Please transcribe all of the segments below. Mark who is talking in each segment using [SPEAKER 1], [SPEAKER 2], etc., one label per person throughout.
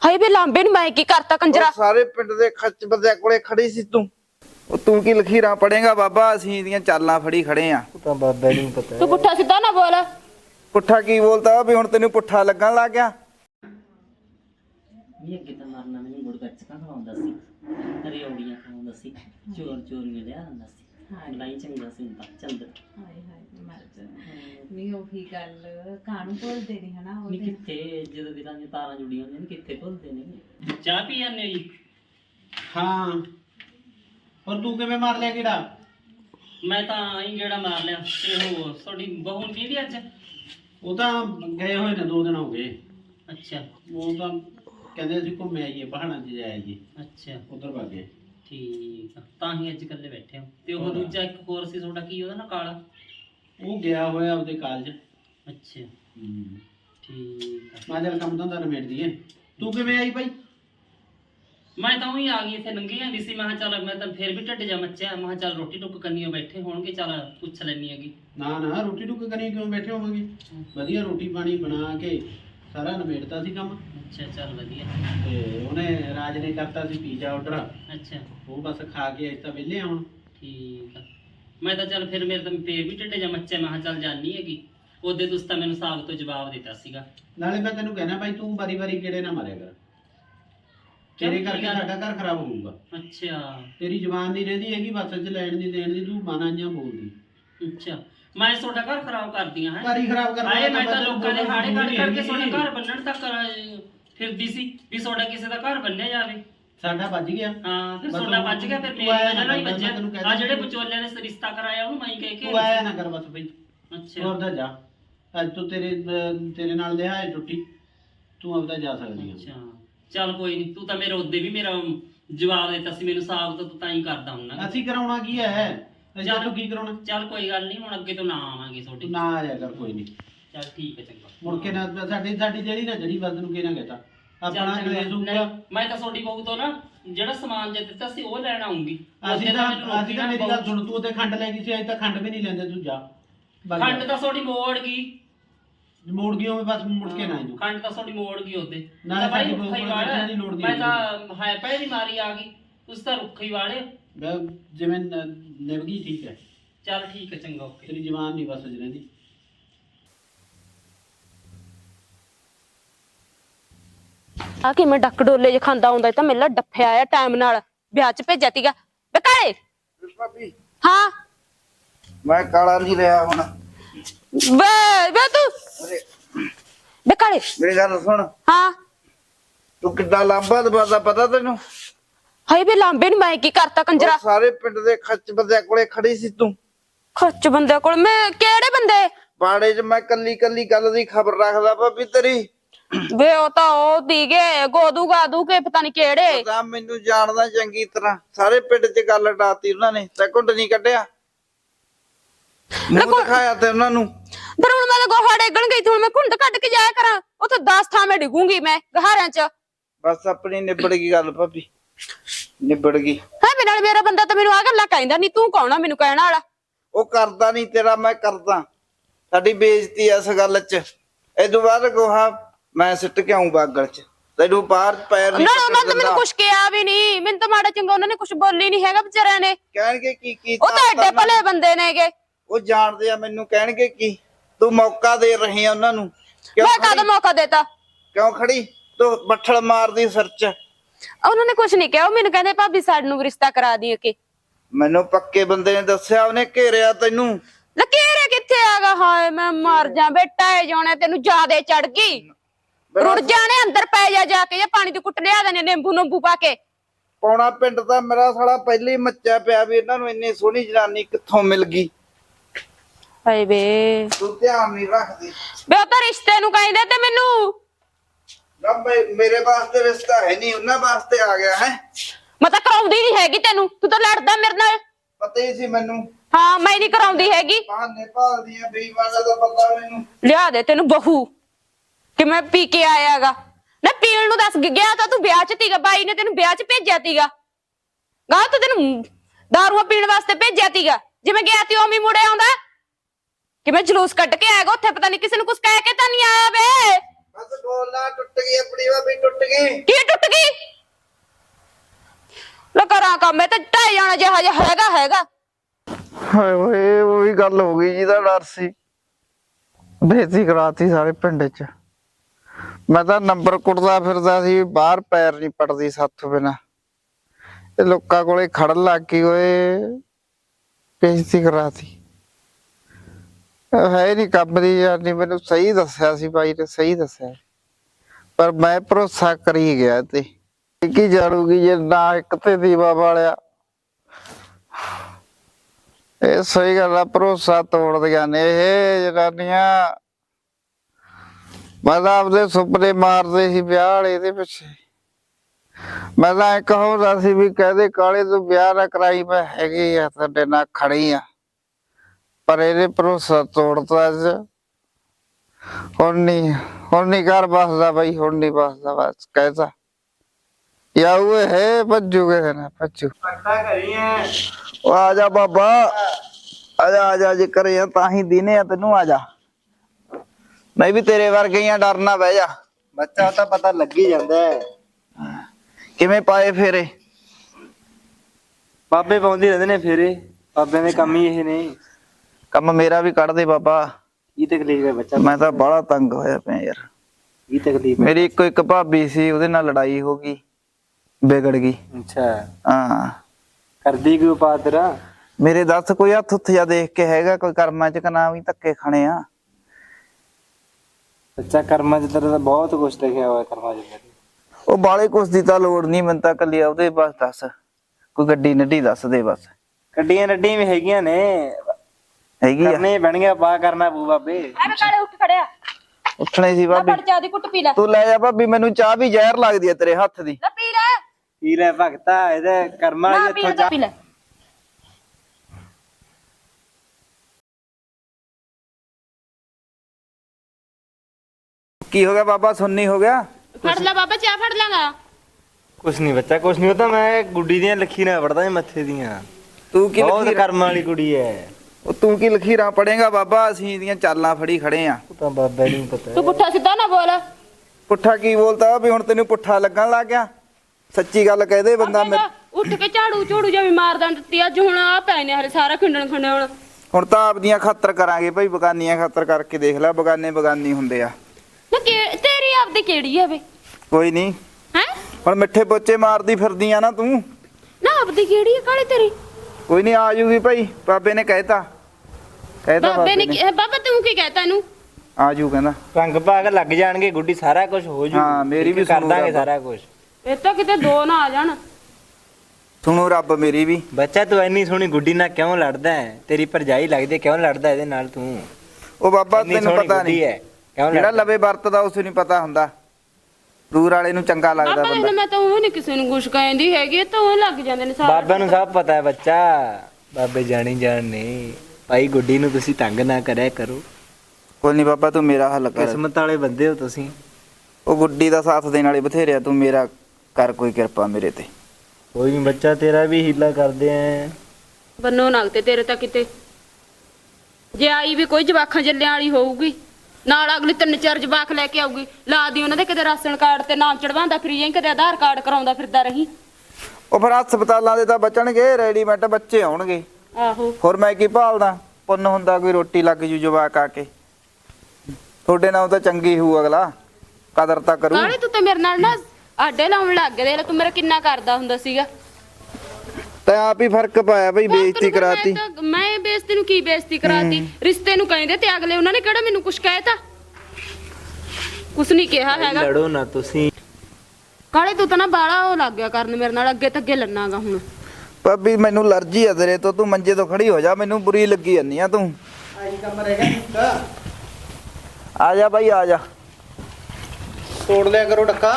[SPEAKER 1] ਹਾਏ ਵੇ ਲਾਂਬੇ ਨੂੰ ਮੈਂ ਕੀ ਕਰਤਾ ਕੰਜਰਾ।
[SPEAKER 2] ਸਾਰੇ ਪਿੰਡ ਦੇ ਖੱਚ ਬੰਦਿਆਂ ਕੋਲੇ ਖੜੀ ਸੀ ਤੂੰ। ਤੂੰ ਕੀ ਲਖੀਰਾਂ ਪੜੇਗਾ ਬਾਬਾ, ਅਸੀਂ ਇਹਦੀਆਂ ਚਾਲਾਂ ਫੜੀ ਖੜੇ ਆ।
[SPEAKER 3] ਤਾਂ ਬਾਬਾ ਨੂੰ ਪਤਾ
[SPEAKER 1] ਤੂੰ ਪੁੱਠਾ ਸਿੱਧਾ ਨਾ ਬੋਲ।
[SPEAKER 2] ਪੁੱਠਾ ਕੀ ਬੋਲਦਾ ਵੀ ਹੁਣ ਤੈਨੂੰ ਪੁੱਠਾ ਲੱਗਣ ਲੱਗ ਗਿਆ।
[SPEAKER 4] ਵੀ ਅੱਗੇ ਤਾਂ ਮਰਨਾ ਮੈਨੂੰ ਗੁੜ ਗੱਚਕਾਂ ਖਵਾਉਂਦਾ ਸੀ, ਰਿਓੜੀਆਂ ਖਵਾਉਂਦਾ ਸੀ, ਚੋਰੀਆਂ ਲਿਆ ਆਉਂਦਾ ਸੀ। ਮਲਾਈ ਚੰਗਾ ਸੀ ਤਾਂ ਚੰਦਰ।
[SPEAKER 5] ਹਾਏ ਹਾਏ ਮਰ ਜਾ। ਨਹੀਂ ਉਹੀ ਗੱਲ ਕਾਹਨੂੰ ਭੁੱਲਦੇ ਨੇ ਹਨਾ
[SPEAKER 4] ਨਹੀਂ ਕਿੱਥੇ ਜਦੋਂ ਦਿਲਾਂ ਦੀਆਂ ਤਾਰਾਂ ਜੁੜੀਆਂ ਹੁੰਦੀਆਂ ਨੇ ਕਿੱਥੇ ਭੁੱਲਦੇ ਨੇ। ਚਾਹ ਪੀ ਜਾਂਦੇ ਹੋ ਜੀ?
[SPEAKER 3] ਹਾਂ ਪਰ ਤੂੰ ਕਿਵੇਂ ਮਾਰ ਲਿਆ ਕਿਹੜਾ?
[SPEAKER 4] ਮੈਂ ਤਾਂ ਆਈ ਗੇੜਾ ਮਾਰ ਲਿਆ। ਤੇ ਉਹ ਤੁਹਾਡੀ ਬਹੂ ਨਹੀਂ ਦੀ ਅੱਜ?
[SPEAKER 3] ਉਹ ਤਾਂ ਗਏ ਹੋਏ ਨੇ 2 ਦਿਨ ਹੋ ਗਏ।
[SPEAKER 4] ਅੱਛਾ
[SPEAKER 3] ਉਹ ਤਾਂ ਕਹਿੰਦੇ ਅਸੀਂ ਘੁੰਮੇ ਆਈਏ ਪਹਾੜਾਂ 'ਚ ਜਾਈਏ,
[SPEAKER 4] ਅੱਛਾ
[SPEAKER 3] ਉਧਰ ਭਾਗੇ।
[SPEAKER 4] ਠੀਕ ਆ, ਤਾਂ ਹੀ ਅੱਜ ਇਕੱਲੇ ਬੈਠੇ ਹੋ। ਤੇ ਉਹ ਦੂਜਾ ਇੱਕ ਹੋਰ ਸੀ ਤੁਹਾਡਾ, ਕੀ ਉਹਦਾ ਨਾ ਕਾਲਾ?
[SPEAKER 3] ਉਹ ਗਿਆ ਹੋਇਆ ਆਪਦੇ ਕਾਲਜ।
[SPEAKER 4] ਅੱਛਾ ਠੀਕ ਆ।
[SPEAKER 3] ਮੈਂ ਚੱਲ ਕੰਮ ਧੰਦਾ ਨਿਬੇੜ ਦਈਏ। ਤੂੰ ਕਿਵੇਂ ਆਈ ਭਾਈ?
[SPEAKER 4] ਮੈਂ ਤਾਂ ਉਹੀ ਆ ਗਈ, ਇੱਥੇ ਨੰਗੀ ਜਾਂਦੀ ਸੀ। ਮੈਂ ਕਿਹਾ ਚੱਲ ਮੈਂ ਤਾਂ ਫਿਰ ਵੀ ਢਿੱਡ ਜਾ ਮੱਚਿਆ। ਮੈਂ ਕਿਹਾ ਚੱਲ ਰੋਟੀ ਟੁੱਕ ਕੰਨੀਓ ਬੈਠੇ ਹੋਣਗੇ, ਚੱਲ ਪੁੱਛ ਲੈਣੀ ਹੈਗੀ।
[SPEAKER 3] ਨਾ ਨਾ ਰੋਟੀ ਟੁੱਕ ਕਰੀ ਕਿਉਂ ਬੈਠੇ ਹੋਵਾਂਗੇ? ਵਧੀਆ ਰੋਟੀ ਪਾਣੀ ਬਣਾ ਕੇ ਸਾਰਾ ਨਿਬੇੜਤਾ ਸੀ ਕੰਮ।
[SPEAKER 4] ਅੱਛਾ ਚੱਲ ਵਧੀਆ।
[SPEAKER 3] ਤੇ ਉਹਨੇ ਰਾਜ ਨੇ ਕਰਤਾ ਸੀ ਪੀਜ਼ਾ ਆਰਡਰ।
[SPEAKER 4] ਅੱਛਾ
[SPEAKER 3] ਉਹ ਬਸ ਖਾ ਕੇ ਅੱਜ ਤਾਂ ਵਿਹਲੇ ਆ ਹੁਣ।
[SPEAKER 4] ਠੀਕ ਆ। ਮੈਂ ਤਾਂ ਚੱਲ ਫਿਰ ਮੇਰੇ ਤਾਂ ਫੇਰ ਵੀ ਢਿੱਡ ਜਾ ਮੱਚਿਆ। ਮੈਂ ਕਿਹਾ ਚੱਲ ਜਾਨੀ ਹੈਗੀ। ਉਹਦੇ ਤੁਸੀਂ ਤਾਂ ਮੈਨੂੰ ਸਾਗ ਤੋਂ ਜਵਾਬ ਦਿੱਤਾ ਸੀਗਾ।
[SPEAKER 3] ਨਾਲੇ ਮੈਂ ਤੈਨੂੰ ਕਹਿਣਾ ਭਾਈ ਤੂੰ ਵਾਰੀ ਵਾਰੀ ਕਿਹੜੇ ਨਾ ਮਾਰਿਆ ਕਰ, ਤੇਰੇ ਕਰਕੇ ਸਾਡਾ ਘਰ ਖਰਾਬ ਹੋਊਗਾ।
[SPEAKER 4] ਅੱਛਾ
[SPEAKER 3] ਤੇਰੀ ਜ਼ੁਬਾਨ ਨਹੀਂ ਰਹਿੰਦੀ ਹੈਗੀ ਬਸ ਚ ਲੈਣ ਦੀ ਦੇਣ ਦੀ, ਤੂੰ ਮਾਨਾ ਜਾਂ ਬੋਲਦੀ।
[SPEAKER 4] ਅੱਛਾ ਮੈਂ ਤੁਹਾਡਾ ਘਰ ਖਰਾਬ ਕਰਦੀਆਂ ਹੈ?
[SPEAKER 3] ਘਰ ਹੀ ਖਰਾਬ ਕਰਨਾ।
[SPEAKER 4] ਆਏ ਮੈਂ ਤਾਂ ਲੋਕਾਂ ਦੇ ਹਾੜੇ ਕੱਢ ਕਰਕੇ ਤੁਹਾਡਾ ਘਰ ਬੰਨਣ ਤੱਕ ਫਿਰਦੀ ਸੀ ਵੀ ਤੁਹਾਡਾ ਕਿਸੇ ਦਾ ਘਰ ਬੰਨਿਆ ਜਾਵੇ।
[SPEAKER 3] ਸਾਡਾ ਵੱਜ ਗਿਆ।
[SPEAKER 4] ਹਾਂ ਫਿਰ ਤੁਹਾਡਾ ਵੱਜ ਗਿਆ, ਫਿਰ ਮੇਰੀ ਵਜ੍ਹਾ ਨਾਲ ਹੀ ਵੱਜਿਆ। ਆ ਜਿਹੜੇ ਵਿਚੋਲਿਆਂ ਨੇ ਰਿਸ਼ਤਾ ਕਰਾਇਆ ਉਹਨੂੰ ਮੈਂ ਹੀ ਕਹਿ ਕੇ
[SPEAKER 3] ਤੂੰ ਆਇਆ ਨਾ ਕਰ ਬਸ ਬਈ।
[SPEAKER 4] ਅੱਛਾ
[SPEAKER 3] ਤੂੰ ਆਪਦਾ ਜਾ, ਅੱਜ ਤੋਂ ਤੇਰੇ ਨਾਲ ਲਿਆ ਟੁੱਟੀ, ਤੂੰ ਆਪਦਾ ਜਾ ਸਕਦੀ ਹੈ।
[SPEAKER 4] ਅੱਛਾ ਚੱਲ ਕੋਈ ਨਹੀਂ। ਤੂੰ ਤਾਂ ਮੇਰੇ ਉਹਦੇ ਵੀ ਮੇਰਾ ਜਵਾਬ ਦਿੱਤਾ ਸੀ ਮੈਨੂੰ ਸਾਗ ਤੋਂ, ਤੂੰ ਤਾਂ ਹੀ ਕਰਦਾ ਹੁੰਦਾ।
[SPEAKER 3] ਅਸੀਂ ਕਰਾਉਣਾ ਕੀ ਹੈ? ਤੂੰ ਕੀ ਕਰਾਉਣਾ?
[SPEAKER 4] ਚੱਲ ਕੋਈ ਗੱਲ ਨਹੀਂ, ਹੁਣ ਅੱਗੇ ਤੋਂ ਨਾ ਆਵਾਂਗੇ ਤੁਹਾਡੇ।
[SPEAKER 3] ਤੂੰ ਨਾ ਆਇਆ ਕਰ ਕੋਈ ਨਹੀਂ।
[SPEAKER 4] ਚੱਲ ਠੀਕ ਹੈ ਚੰਗਾ।
[SPEAKER 3] ਮੁੜ ਕੇ ਨਾ ਸਾਡੀ ਜਿਹੜੀ ਨਾ ਜੜੀ ਵੱਧ ਨੂੰ ਕਿਹਨਾਂ ਕਹਤਾ ਆਪਣਾ ਕਲੇਸ਼ ਹੋਊਗਾ।
[SPEAKER 4] ਮੈਂ ਤਾਂ ਤੁਹਾਡੀ ਬਹੂ ਤੋਂ ਨਾ ਜਿਹੜਾ ਸਮਾਨ ਜੇ ਦਿੱਤਾ ਸੀ ਉਹ ਲੈਣ ਆਉਂਗੀ।
[SPEAKER 3] ਅਸੀਂ ਤਾਂ ਮੇਰੀ ਗੱਲ ਸੁਣ, ਤੂੰ ਤੇ ਖੰਡ ਲੈ ਗਈ ਸੀ, ਅੱਜ ਤਾਂ ਖੰਡ ਵੀ ਨਹੀਂ ਲੈਂਦੇ। ਤੂੰ ਜਾ।
[SPEAKER 4] ਖੰਡ ਤਾਂ ਤੁਹਾਡੀ ਮੋੜ ਗਈ।
[SPEAKER 3] ਮੋੜ ਗਈ ਹੋਵੇ ਬਸ, ਮੁੜ ਕੇ ਨਾ ਆਈ ਤੂੰ।
[SPEAKER 4] ਖੰਡ ਤਾਂ ਤੁਹਾਡੀ ਮੋੜ ਗਈ ਉਹਦੇ।
[SPEAKER 3] ਨਾ ਸਾਡੀ ਬਹੂ ਕੋਲ ਬੈਠਣ ਦੀ ਲੋੜ ਨਹੀਂ।
[SPEAKER 4] ਮੈਂ ਤਾਂ ਹਾਏ ਪਹਿਲੀ ਮਾਰੀ ਆ ਗਈ, ਤੁਸੀਂ ਤਾਂ ਰੁੱਖ ਹੀ ਵਾਲੇ।
[SPEAKER 3] ਜਿਵੇਂ ਨਿਭ ਗਈ ਠੀਕ ਹੈ।
[SPEAKER 4] ਚੱਲ ਠੀਕ ਹੈ ਚੰਗਾ ਓਕੇ।
[SPEAKER 3] ਤੇਰੀ ਜ਼ਬਾਨ ਨਹੀਂ ਬਸ ਰਹਿੰਦੀ।
[SPEAKER 1] ਆ ਕਿਵੇਂ ਡੱਕ ਡੋਲੇ ਜੇ ਖਾਂਦਾ ਹੁੰਦਾ ਤਾਂ ਮੇਲਾ ਡੱਫਿਆ ਆ ਟਾਈਮ ਨਾਲ ਵਿਆਹ ਚ ਭੇਜਿਆ ਤੀਗਾ। ਵੇ ਕਾਲੇ।
[SPEAKER 2] ਭਾਬੀ
[SPEAKER 1] ਹਾਂ
[SPEAKER 2] ਮੈਂ ਕਾਲਾ ਨਹੀਂ ਰਿਹਾ ਹੁਣ।
[SPEAKER 1] ਵੇ ਤੂੰ ਵੇ ਕਾਲੇ
[SPEAKER 2] ਮੇਰੀ ਗੱਲ ਸੁਣ,
[SPEAKER 1] ਹਾਂ
[SPEAKER 2] ਤੂੰ ਕਿੱਦਾਂ ਲਾਂਬਾ ਦਵਾਦਾ ਪਤਾ ਤੈਨੂੰ?
[SPEAKER 1] ਹਾਏ ਵੇ ਲਾਂਬੇ ਨੂੰ ਮੈਂ ਕੀ ਕਰਤਾ ਕੰਜਰਾ।
[SPEAKER 2] ਸਾਰੇ ਪਿੰਡ ਦੇ ਖੱਚ ਬੰਦਿਆਂ ਕੋਲੇ ਖੜੀ ਸੀ ਤੂੰ।
[SPEAKER 1] ਖੱਚ ਬੰਦੇ ਕੋਲ? ਮੈਂ ਕਿਹੜੇ ਬੰਦੇ?
[SPEAKER 2] ਬਾੜੇ 'ਚ ਮੈਂ ਕੱਲੀ ਕੱਲੀ ਗੱਲ ਦੀ ਖਬਰ ਰੱਖਦਾ ਭਾਬੀ ਤੇਰੀ।
[SPEAKER 1] ਵੇ ਉਹ ਤਾਂ ਉਹ ਦੀਗੇ ਗੋਦੂ ਗਾਦੂ ਕੇ ਪਤਾ ਨਹੀਂ ਕਿਹੜੇ।
[SPEAKER 2] ਪਤਾ ਮੈਨੂੰ ਜਾਣਦਾ ਚੰਗੀ ਤਰ੍ਹਾਂ। ਸਾਰੇ ਪਿੰਡ 'ਚ ਗੱਲ ਡਾਤੀ ਉਹਨਾਂ ਨੇ ਤੇ ਘੁੰਡ ਨਹੀਂ ਕੱਢਿਆ। ਮੂੰਹ ਦਿਖਾਇਆ ਤੇ ਉਹਨਾਂ ਨੂੰ।
[SPEAKER 1] ਫਿਰ ਹੁਣ ਮੈਂ ਗੋਹਾ ਡੇਗਣ ਗਈ, ਹੁਣ ਮੈਂ ਘੁੰਡ ਕੱਢ ਕੇ ਜਾਇਆ ਕਰਾਂ? ਉੱਥੇ 10 ਥਾਂ ਮੈਂ ਡਿਗੂੰਗੀ ਮੈਂ ਗਹਾਰਿਆਂ ਚ।
[SPEAKER 2] ਬਸ ਆਪਣੀ ਨਿਬੜ ਗਈ ਗੱਲ ਭਾਬੀ, ਨਿਬੜ ਗਈ।
[SPEAKER 1] ਹੈ ਮੇਰੇ ਨਾਲ ਮੇਰਾ ਬੰਦਾ ਤਾਂ ਮੈਨੂੰ ਆ ਗੱਲਾਂ ਕਹਿੰਦਾ ਨਹੀਂ। ਤੂੰ ਕੌਣ ਆ ਮੈਨੂੰ ਕਹਿਣ ਵਾਲਾ?
[SPEAKER 2] ਉਹ ਕਰਦਾ ਨਹੀਂ ਤੇਰਾ, ਮੈਂ ਕਰਦਾ। ਸਾਡੀ ਬੇਇੱਜ਼ਤੀ ਐ ਇਸ ਗੱਲ 'ਚ। ਇਦੋਂ ਬਾਅਦ ਗੋਹਾ ਮੈਂ ਸਿੱਟ ਕੇ ਆਉਂ ਬਾਗਲ 'ਚ। ਤੈਨੂੰ ਬਾਹਰ ਪੈਰ ਨਹੀਂ
[SPEAKER 1] ਉਹਨਾਂ ਨੇ ਮੈਨੂੰ ਕੁਛ ਕਿਹਾ ਵੀ ਨਹੀਂ। ਮੈਨੂੰ ਤਾਂ ਮਾੜਾ ਚੰਗਾ ਉਹਨਾਂ ਨੇ ਕੁਛ ਬੋਲੀ ਨਹੀਂ ਹੈਗਾ ਵਿਚਾਰਿਆਂ ਨੇ।
[SPEAKER 2] ਕਹਿਣਗੇ ਕੀ
[SPEAKER 1] ਉਹ ਤਾਂ ਐਡੇ ਭਲੇ ਬੰਦੇ ਨੇਗੇ।
[SPEAKER 2] ਉਹ ਜਾਣਦੇ ਆ ਮੈਨੂੰ। ਕਹਿਣਗੇ ਕੀ? ਤੂੰ ਮੌਕਾ ਦੇ ਰਹੀ ਆ ਉਹਨਾਂ ਨੂੰ।
[SPEAKER 1] ਮੈਂ ਕਦੋਂ ਮੌਕਾ ਦੇਤਾ?
[SPEAKER 2] ਕਿਉਂ ਖੜੀ ਤੂੰ ਬੱਠਲ ਮਾਰਦੀ ਸਿਰ 'ਚ?
[SPEAKER 1] ਉਹਨਾਂ ਨੇ ਕੁਛ ਨਹੀਂ ਕਿਹਾ। ਉਹ ਮੈਨੂੰ ਕਹਿੰਦੇ ਭਾਬੀ ਸਾਨੂੰ ਰਿਸ਼ਤਾ ਕਰਾ ਦੀ ਕੇ।
[SPEAKER 2] ਮੈਨੂੰ ਪੱਕੇ ਬੰਦੇ ਨੇ ਦੱਸਿਆ, ਉਹਨੇ ਘੇਰਿਆ ਤੈਨੂੰ।
[SPEAKER 1] ਲਕੀਰੇ ਕਿੱਥੇ ਆਗਾ? ਹਾਏ ਮੈਂ ਮਰ ਜਾ ਬੇਟਾ। ਇਹ ਜਾਣੇ ਤੈਨੂੰ ਜਿਆਦੇ ਚੜ ਗਈ। ਰੁੜ ਜਾਣੇ ਅੰਦਰ ਪੈ ਜਾ ਕੇ, ਜਾਂ ਪਾਣੀ ਦੀ ਕੁੱਟ ਲਿਆ ਦੇਣੇ ਨਿੰਬੂ ਨੰਬੂ ਪਾ ਕੇ।
[SPEAKER 2] ਪੌਣਾ ਪਿੰਡ ਦਾ ਮੇਰਾ ਸਾਲਾ ਪਹਿਲੇ ਹੀ ਮੱਚਿਆ ਪਿਆ ਵੀ ਇਹਨਾਂ ਨੂੰ ਇੰਨੀ ਸੋਹਣੀ ਜਨਾਨੀ ਕਿੱਥੋਂ ਮਿਲ ਗਈ।
[SPEAKER 1] ਹਾਏ ਵੇ
[SPEAKER 2] ਤੂੰ ਧਿਆਨ ਨਹੀਂ ਰੱਖਦੀ।
[SPEAKER 1] ਬੇ ਉਹ ਤਾਂ ਰਿਸ਼ਤੇ ਨੂੰ ਕਹਿੰਦੇ ਤੇ ਮੈਨੂੰ।
[SPEAKER 2] ਨਾ ਮੇਰੇ ਵਾਸਤੇ ਰਿਸ਼ਤਾ ਹੈ ਨਹੀਂ, ਉਹਨਾਂ ਵਾਸਤੇ ਆ ਗਿਆ ਹੈ।
[SPEAKER 1] ਮੈਂ ਤਾਂ ਕਰਾਉਂਦੀ ਨਹੀਂ ਹੈਗੀ ਤੈਨੂੰ। ਤੂੰ ਤਾਂ ਲੜਦਾ ਮੇਰੇ ਨਾਲ।
[SPEAKER 2] ਪਤਾ ਹੀ ਸੀ ਮੈਨੂੰ।
[SPEAKER 1] ਹਾਂ ਮੈਂ ਨਹੀਂ ਕਰਾਉਂਦੀ ਹੈਗੀ।
[SPEAKER 2] ਬਹਾਨੇ ਭਾਲਦੀ ਆ ਬੇਈਮਾਨਾਂ ਦਾ ਪਤਾ ਮੈਨੂੰ।
[SPEAKER 1] ਲਿਆ ਦੇ ਤੈਨੂੰ ਬਹੂ ਕਿ ਮੈਂ ਪੀ ਕੇ ਆਇਆਗਾ ਨਾ। ਪੀਣ ਨੂੰ ਦੱਸ ਗਿਆ ਤਾਂ ਤੂੰ ਵਿਆਹ ਚ ਤੀਗਾ। ਬਾਈ ਨੇ ਤੈਨੂੰ ਵਿਆਹ ਚ ਭੇਜਿਆ ਤੀਗਾ। ਗਾ ਤਾਂ ਤੈਨੂੰ ਦਾਰੂ ਪੀਣ ਵਾਸਤੇ ਭੇਜਿਆ ਤੀਗਾ। ਜਿਵੇਂ ਗਿਆ ਤੀ ਉਵੇਂ ਮੁੜੇ ਆਉਂਦਾ। ਕਿ ਮੈਂ ਜਲੂਸ ਕੱਢ ਕੇ ਆਏਗਾ ਉੱਥੇ। ਪਤਾ ਨਹੀਂ ਕਿਸੇ ਨੂੰ ਕੁਛ ਕਹਿ ਕੇ ਤਾਂ ਨਹੀਂ ਆਇਆ ਵੇ।
[SPEAKER 2] ਬਸ ਬੋਲਣਾ, ਟੁੱਟ ਗਈ ਆਪਣੀ ਭਾਬੀ, ਟੁੱਟ ਗਈ।
[SPEAKER 1] ਕੀ ਟੁੱਟ ਗਈ? ਲੈ ਕਰਾਂ ਕੰਮ, ਇਹ ਤਾਂ ਢਾਈ ਜਾਣਾ ਜਿਹਾ ਜਿਹਾ ਹੈਗਾ।
[SPEAKER 2] ਹਾਏ ਓਏ, ਉਹ ਵੀ ਗੱਲ ਹੋ ਗਈ ਜਿਹਦਾ ਡਰ ਸੀ, ਬੇਇੱਜ਼ਤੀ ਕਰਾਤੀ ਸਾਰੇ ਪਿੰਡ 'ਚ। ਮੈਂ ਤਾਂ ਨੰਬਰ ਕੁੱਟਦਾ ਫਿਰਦਾ ਸੀ, ਬਾਹਰ ਪੈਰ ਨਹੀਂ ਪੜਦੀ ਸਾਥੋਂ ਬਿਨਾ। ਇਹ ਲੋਕਾਂ ਕੋਲੇ ਖੜਨ ਲੱਗ ਗਈ ਓਏ, ਬੇਇੱਜ਼ਤੀ ਕਰਾਤੀ। ਹੈ ਨਹੀਂ ਕੰਮ ਦੀ ਯਾਰ, ਨਹੀਂ ਮੈਨੂੰ ਸਹੀ ਦੱਸਿਆ ਸੀ ਬਾਈ ਨੇ, ਸਹੀ ਦੱਸਿਆ, ਪਰ ਮੈਂ ਭਰੋਸਾ ਕਰੀ ਗਿਆ ਤੇ ਕੀ ਜਾਣੂਗੀ ਜੇ ਨਾ ਇੱਕ ਤੇ ਦੀਵਾ ਵਾਲਿਆ। ਇਹ ਸਹੀ ਗੱਲ ਆ, ਭਰੋਸਾ ਤੋੜਦੀਆਂ ਨੇ ਇਹ ਜਨਾਨੀਆਂ। ਮੈਂ ਤਾਂ ਆਪਦੇ ਸੁਪਨੇ ਮਾਰਦੇ ਸੀ ਵਿਆਹ ਵਾਲੇ ਦੇ ਪਿੱਛੇ। ਮੈਂ ਤਾਂ ਇੱਕ ਹੁੰਦਾ ਸੀ ਵੀ ਕਹਦੇ ਕਾਲੇ ਤੂੰ ਵਿਆਹ ਨਾ ਕਰਾਈ, ਮੈਂ ਹੈਗੀ ਆ ਤੁਹਾਡੇ ਨਾਲ ਖੜੀ ਆ, ਪਰ ਇਹਨੇ ਭਰੋਸਾ ਤੋੜਤਾ ਅੱਜ। ਹੁਣ ਨੀ ਘਰ ਬਸਦਾ ਬਾਈ, ਹੁਣ ਨੀ ਬਸਦਾ, ਬਸ ਕਹਿਤਾ ਯਾ ਉਹ ਹੈ ਭੱਜੂ ਗਏ ਨਾ ਭੱਜੂ। ਉਹ ਆ ਜਾ ਬਾਬਾ, ਆ ਜਾ ਜੇ ਕਰੇ ਆ ਤਾਂ ਹੀ ਦੀਨੇ ਆ ਤੈਨੂੰ, ਆ ਜਾ। ਨਹੀਂ ਵੀ ਤੇਰੇ ਵਰਗੀਆਂ ਡਰਨਾ, ਬਹਿ ਜਾ।
[SPEAKER 6] ਬੱਚਾ ਤਾਂ ਪਤਾ ਲੱਗ ਹੀ ਜਾਂਦਾ ਹੈ।
[SPEAKER 2] ਕਿਵੇਂ ਪਾਏ ਫੇਰੇ?
[SPEAKER 6] ਬਾਬੇ ਪਾਉਂਦੇ ਰਹਿੰਦੇ ਨੇ ਫੇਰੇ, ਬਾਬਿਆਂ ਦੇ ਕੰਮ ਹੀ ਇਹ ਨੇ।
[SPEAKER 2] ਕੰਮ ਮੇਰਾ ਵੀ ਕੱਢ ਦੇ ਬਾਬਾ।
[SPEAKER 6] ਕੀ ਤਕਲੀਫ ਹੈ ਬੱਚਾ?
[SPEAKER 2] ਮੈਂ ਤਾਂ ਬੜਾ ਤੰਗ ਹੋਇਆ ਪਿਆ ਯਾਰ।
[SPEAKER 6] ਕੀ ਤਕਲੀਫ ਹੈ?
[SPEAKER 2] ਮੇਰੀ ਇੱਕ ਭਾਬੀ ਸੀ, ਉਹਦੇ ਨਾਲ ਲੜਾਈ ਹੋ ਗਈ, ਵਿਗੜ ਗਈ।
[SPEAKER 6] ਅੱਛਾ,
[SPEAKER 2] ਹਾਂ,
[SPEAKER 6] ਕਰਦੀ ਕਿਉਂ ਪਾ ਤੇਰਾ?
[SPEAKER 2] ਮੇਰੇ ਦੱਸ ਕੋਈ ਹੱਥ ਉੱਥ ਜਾ ਦੇਖ ਕੇ ਹੈਗਾ ਕੋਈ ਕਰਮਾਂ ਚ, ਕਨਾ ਵੀ ਧੱਕੇ ਖਾਣੇ ਆ।
[SPEAKER 6] ਬੱਚਾ ਕਰਮਾਂ ਚ ਤੇਰਾ ਤਾਂ ਬਹੁਤ ਕੁਛ ਲਿਖਿਆ ਹੋਇਆ ਕਰਮਾਂ ਚ।
[SPEAKER 2] ਉਹ ਬਾਲੇ ਕੁਛ ਦੀ ਤਾਂ ਲੋੜ ਨਹੀਂ, ਮੈਨੂੰ ਤਾਂ ਕੱਲੀ ਉਹਦੇ ਬਸ ਦੱਸ, ਕੋਈ ਗੱਡੀ ਨੱਡੀ ਦੱਸ ਦੇ ਬਸ।
[SPEAKER 6] ਗੱਡੀਆਂ ਨੱਡੀਆਂ ਵੀ ਹੈਗੀਆਂ ਨੇ,
[SPEAKER 2] ਹੈਗੀ ਆ?
[SPEAKER 6] ਕਰਨੇ ਬਣੀਆਂ ਪਾ, ਕਰਨਾ ਪੂ ਬਾਬੇ।
[SPEAKER 1] ਐਵੇਂ ਕਾਲੇ ਉੱਠ ਖੜਿਆ,
[SPEAKER 2] ਉੱਠਣੇ ਸੀ ਭਾਬੀ।
[SPEAKER 1] ਫੜ ਚਾਹ ਦੀ ਕੁੱਟ ਪੀ ਲੈ।
[SPEAKER 2] ਤੂੰ ਲੈ ਜਾ ਭਾਬੀ, ਮੈਨੂੰ ਚਾਹ ਵੀ ਜ਼ਹਿਰ ਲੱਗਦੀ ਆ ਤੇਰੇ ਹੱਥ ਦੀ।
[SPEAKER 1] ਲੈ ਪੀ ਲੈ,
[SPEAKER 6] ਪੀ ਲੈ ਭਗਤਾ, ਇਹਦੇ ਕਰਮਾਂ
[SPEAKER 1] ਨਾ
[SPEAKER 6] ਵਾਲੀ
[SPEAKER 1] ਪੀ
[SPEAKER 6] ਇੱਥੋਂ
[SPEAKER 1] ਲੈ,
[SPEAKER 6] ਜਾ।
[SPEAKER 1] ਪੀ ਲੈ।
[SPEAKER 2] ਕੀ ਹੋ ਗਿਆ ਬਾਬਾ, ਸੁਣਨੀ ਹੋ ਗਿਆ?
[SPEAKER 1] ਫੜ ਲੈ ਬਾਬਾ, ਚਾਹ ਫੜ ਲਾਂਗਾ।
[SPEAKER 6] ਕੁਛ ਨਹੀਂ ਬੱਚਾ, ਕੁਛ ਨਹੀਂ। ਉਹ ਤਾਂ ਮੈਂ ਗੁੱਡੀ ਦੀਆਂ ਲਖੀਰਾਂ ਪੜਦਾ ਮੱਥੇ ਦੀਆਂ।
[SPEAKER 2] ਤੂੰ ਕੀ
[SPEAKER 6] ਬਹੁਤ
[SPEAKER 2] ਲਖੀਰਾਂ?
[SPEAKER 6] ਕਰਮਾਂ ਵਾਲੀ ਕੁੜੀ ਹੈ
[SPEAKER 2] ਉਹ ਤੂੰ ਕੀ ਲਖੀਰਾਂ ਪੜੇਗਾ ਬਾਬਾ? ਅਸੀਂ ਇਹਦੀਆਂ ਚਾਲਾਂ ਫੜੀ ਖੜੇ ਆ।
[SPEAKER 6] ਉਹ ਤਾਂ ਬਾਬਾ ਨੂੰ ਪਤਾ
[SPEAKER 1] ਤੂੰ ਪੁੱਠਾ ਸਿੱਧਾ ਨਾ ਬੋਲ।
[SPEAKER 2] ਪੁੱਠਾ ਕੀ ਬੋਲਦਾ ਵੀ ਹੁਣ ਤੈਨੂੰ ਪੁੱਠਾ ਲੱਗਣ ਲੱਗ ਗਿਆ? ਸੱਚੀ ਗੱਲ ਕਹਿ ਦੇ ਬੰਦਾ।
[SPEAKER 1] ਆਪੇ ਤਾਂ ਉੱਠ ਕੇ ਝਾੜੂ ਝੂੜੂ ਜਿਹਾ ਵੀ ਮਾਰਦਾ ਦਿੱਤੀ, ਅੱਜ ਹੁਣ ਆ ਪੈ ਨੇ ਹਰੇ ਸਾਰਾ ਖਿੰਡਣ ਖੰਡੇ।
[SPEAKER 2] ਹੁਣ ਤਾਂ ਆਪਦੀਆਂ ਖਾਤਰ ਕਰਾਂਗੇ ਭਾਈ, ਬਗਾਨੀਆਂ ਖਾਤਰ ਕਰਕੇ ਦੇਖ ਲੈ, ਬਗਾਨੇ ਬਗਾਨੀ ਹੁੰਦੇ ਆ।
[SPEAKER 1] ਨਾ ਤੇਰੀ ਆਪਦੀ ਕਿਹੜੀ ਆ ਵੇ?
[SPEAKER 2] ਕੋਈ ਨਹੀਂ,
[SPEAKER 1] ਹੈ
[SPEAKER 2] ਹੁਣ ਮਿੱਠੇ ਪੋਚੇ ਮਾਰਦੀ ਫਿਰਦੀ ਆ ਨਾ ਤੂੰ।
[SPEAKER 1] ਨਾ ਆਪਦੀ ਕਿਹੜੀ ਆ ਕਾਲੇ ਤੇਰੀ?
[SPEAKER 2] ਕੋਈ ਨਹੀਂ, ਆ ਜੂਗੀ ਭਾਈ, ਬਾਬੇ ਨੇ ਕਹਿਤਾ
[SPEAKER 1] ਬਾਬੇ ਨੇ ਬਾਬਾ ਤੂੰ ਕੀ ਕਹਿਤਾ ਇਹਨੂੰ?
[SPEAKER 2] ਆ ਜੂ ਕਹਿੰਦਾ।
[SPEAKER 6] ਰੰਗ ਭਾਗ ਲੱਗ ਜਾਣਗੇ, ਗੁੱਡੀ ਸਾਰਾ ਕੁਝ ਹੋ ਜੂ।
[SPEAKER 2] ਹਾਂ, ਮੇਰੀ ਵੀ
[SPEAKER 6] ਕਰ
[SPEAKER 2] ਸੁਣੂ
[SPEAKER 6] ਦਾਂਗੇ
[SPEAKER 2] ਰੱਬ।
[SPEAKER 6] ਸਾਰਾ ਕੁਝ।
[SPEAKER 1] ਇਹ ਤਾਂ ਕਿਤੇ ਦੋ ਨਾ ਆ ਜਾਣ।
[SPEAKER 2] ਸੁਣੋ ਰੱਬ ਮੇਰੀ ਵੀ।
[SPEAKER 6] ਬੱਚਾ ਤੂੰ ਇੰਨੀ ਸੋਹਣੀ ਗੁੱਡੀ ਨਾਲ ਕਿਉਂ ਲੜਦਾ ਹੈ? ਤੇਰੀ ਭਰਜਾਈ ਲੱਗਦੀ, ਕਿਉਂ ਲੜਦਾ ਇਹਦੇ ਨਾਲ ਤੂੰ?
[SPEAKER 2] ਉਹ ਬਾਬਾ
[SPEAKER 6] ਇੰਨੀ
[SPEAKER 2] ਤੈਨੂੰ
[SPEAKER 6] ਸੋਹਣੀ
[SPEAKER 2] ਪਤਾ
[SPEAKER 6] ਗੁੱਡੀ
[SPEAKER 2] ਨਹੀਂ,
[SPEAKER 6] ਹੈ, ਕਿਉਂ
[SPEAKER 2] ਜਿਹੜਾ
[SPEAKER 6] ਲੜਦਾ?
[SPEAKER 2] ਲਵੇ ਵਰਤਦਾ ਉਸ ਨੂੰ ਨਹੀਂ ਪਤਾ ਹੁੰਦਾ, ਦੂਰ ਵਾਲੇ ਨੂੰ ਚੰਗਾ ਲੱਗਦਾ
[SPEAKER 1] ਬਾਬਾ
[SPEAKER 2] ਬੰਦਾ।
[SPEAKER 1] ਮੈਂ ਤਾਂ ਉਹ ਨਹੀਂ ਕਿਸੇ ਨੂੰ ਕੁਛ ਕਹਿੰਦੀ ਹੈਗੀ, ਤਾਂ ਉਹ ਲੱਗ ਜਾਂਦੇ ਨੇ ਸਾਰੇ।
[SPEAKER 6] ਬਾਬਾ ਨੂੰ ਸਭ ਪਤਾ ਹੈ ਬੱਚਾ, ਬਾਬੇ ਜਾਣੀ ਜਾਣ ਨੇ। ਭਾਈ ਗੁੱਡੀ ਨੂੰ ਤੁਸੀਂ ਤੰਗ ਨਾ ਕਰਿਆ ਕਰੋ।
[SPEAKER 2] ਕੋਈ ਨਹੀਂ ਬਾਬਾ, ਤੂੰ ਮੇਰਾ ਹੱਲ ਕਰ।
[SPEAKER 6] ਕਿਸਮਤ ਵਾਲੇ ਬੰਦੇ ਹੋ ਤੁਸੀਂ।
[SPEAKER 2] ਉਹ ਗੁੱਡੀ ਦਾ ਸਾਥ ਦੇਣ ਵਾਲੇ ਬਥੇਰੇ ਆ, ਤੂੰ ਮੇਰਾ ਕਰ ਕੋਈ ਕਿਰਪਾ ਮੇਰੇ ਤੇ।
[SPEAKER 6] ਕੋਈ ਨਹੀਂ ਬੱਚਾ, ਤੇਰਾ ਵੀ ਹੀਲਾ ਕਰਦੇ ਆ।
[SPEAKER 1] ਬੰਨੋ ਨਾਲ ਤੇ ਤੇਰੇ ਤਾਂ ਕਿਤੇ ਜੇ ਆਈ ਵੀ ਕੋਈ ਜਵਾਖਾਂ ਜੱਲਿਆਂ ਵਾਲੀ ਹੋਊਗੀ, ਨਾਲ ਅਗਲੀ 3-4 ਜਵਾਕ ਲੈ ਕੇ ਆਊਗੀ, ਲਾ ਦੀ ਉਹਨਾਂ ਦੇ ਕਿਤੇ ਰਾਸ਼ਨ ਕਾਰਡ ਤੇ ਨਾਮ ਚੜਵਾਉਂਦਾ ਫਿਰੀ ਜਾਈਂ, ਕਦੇ ਆਧਾਰ ਕਾਰਡ ਕਰਾਉਂਦਾ ਫਿਰਦਾ ਰਹੀ।
[SPEAKER 2] ਉਹ ਫਿਰ ਹਸਪਤਾਲਾਂ ਦੇ ਤਾਂ ਬਚਣਗੇ, ਰੈਡੀਮੇਡ ਬੱਚੇ ਆਉਣਗੇ।
[SPEAKER 1] ਆਹੋ,
[SPEAKER 2] ਹੋਰ ਮੈਂ ਕੀ ਭਾਲਦਾ? ਪੁੰਨ ਹੁੰਦਾ ਕੋਈ ਰੋਟੀ ਲੱਗ ਜੂ ਜਵਾਕ ਆ ਕੇ। ਤੁਹਾਡੇ ਨਾਲ ਤਾਂ ਚੰਗੀ ਹੋਊ, ਅਗਲਾ ਕਦਰ ਤਾਂ ਕਰੂ।
[SPEAKER 1] ਕਾਲੇ ਤੂੰ ਤਾਂ ਮੇਰੇ ਨਾਲ ਨਾ ਆਡੇ ਲਾਉਣ ਲੱਗ ਗਿਆ, ਦੇਖ ਲੈ ਤੂੰ ਮੇਰਾ ਕਿੰਨਾ ਕਰਦਾ ਹੁੰਦਾ ਸੀਗਾ।
[SPEAKER 2] ਤੇ ਆਪ ਹੀ ਫਰਕ ਪਾਇਆ ਬਈ, ਬੇਇੱਜ਼ਤੀ ਕਰਾਤੀ।
[SPEAKER 1] ਮੈਂ ਬੇਇੱਜ਼ਤੀ ਨੂੰ ਕੀ ਬੇਇੱਜ਼ਤੀ ਕਰਾਤੀ? ਰਿਸ਼ਤੇ ਨੂੰ ਕਹਿੰਦੇ ਤੇ ਅਗਲੇ ਉਹਨਾਂ ਨੇ ਕਿਹੜਾ ਮੈਨੂੰ ਕੁਛ ਕਹਿਤਾ? ਕੁਛ ਨਹੀਂ ਕਿਹਾ ਹੈਗਾ।
[SPEAKER 6] ਲੜੋ ਨਾ ਤੁਸੀਂ।
[SPEAKER 1] ਕਾਲੇ ਤੂੰ ਤਾਂ ਨਾ ਬਾਲਾ ਉਹ ਲੱਗ ਗਿਆ ਕਰਨ ਮੇਰੇ ਨਾਲ, ਅੱਗੇ ਤੱਗੇ ਲੰਨਾਗਾ ਹੁਣ।
[SPEAKER 2] ਭਾਬੀ ਮੈਨੂੰ ਅਲਰਜੀ ਆ ਤੇਰੇ ਤੋਂ, ਤੂੰ ਮੰਜੇ ਤੋਂ ਖੜੀ ਹੋ ਜਾ, ਮੈਨੂੰ ਬੁਰੀ ਲੱਗੀ ਜਾਂਦੀ ਆ ਤੂੰ। ਆ ਜਾ ਬਾਈ, ਆ ਜਾ।
[SPEAKER 3] ਤੋੜ ਲਿਆ ਕਰੋ ਡੱਕਾ।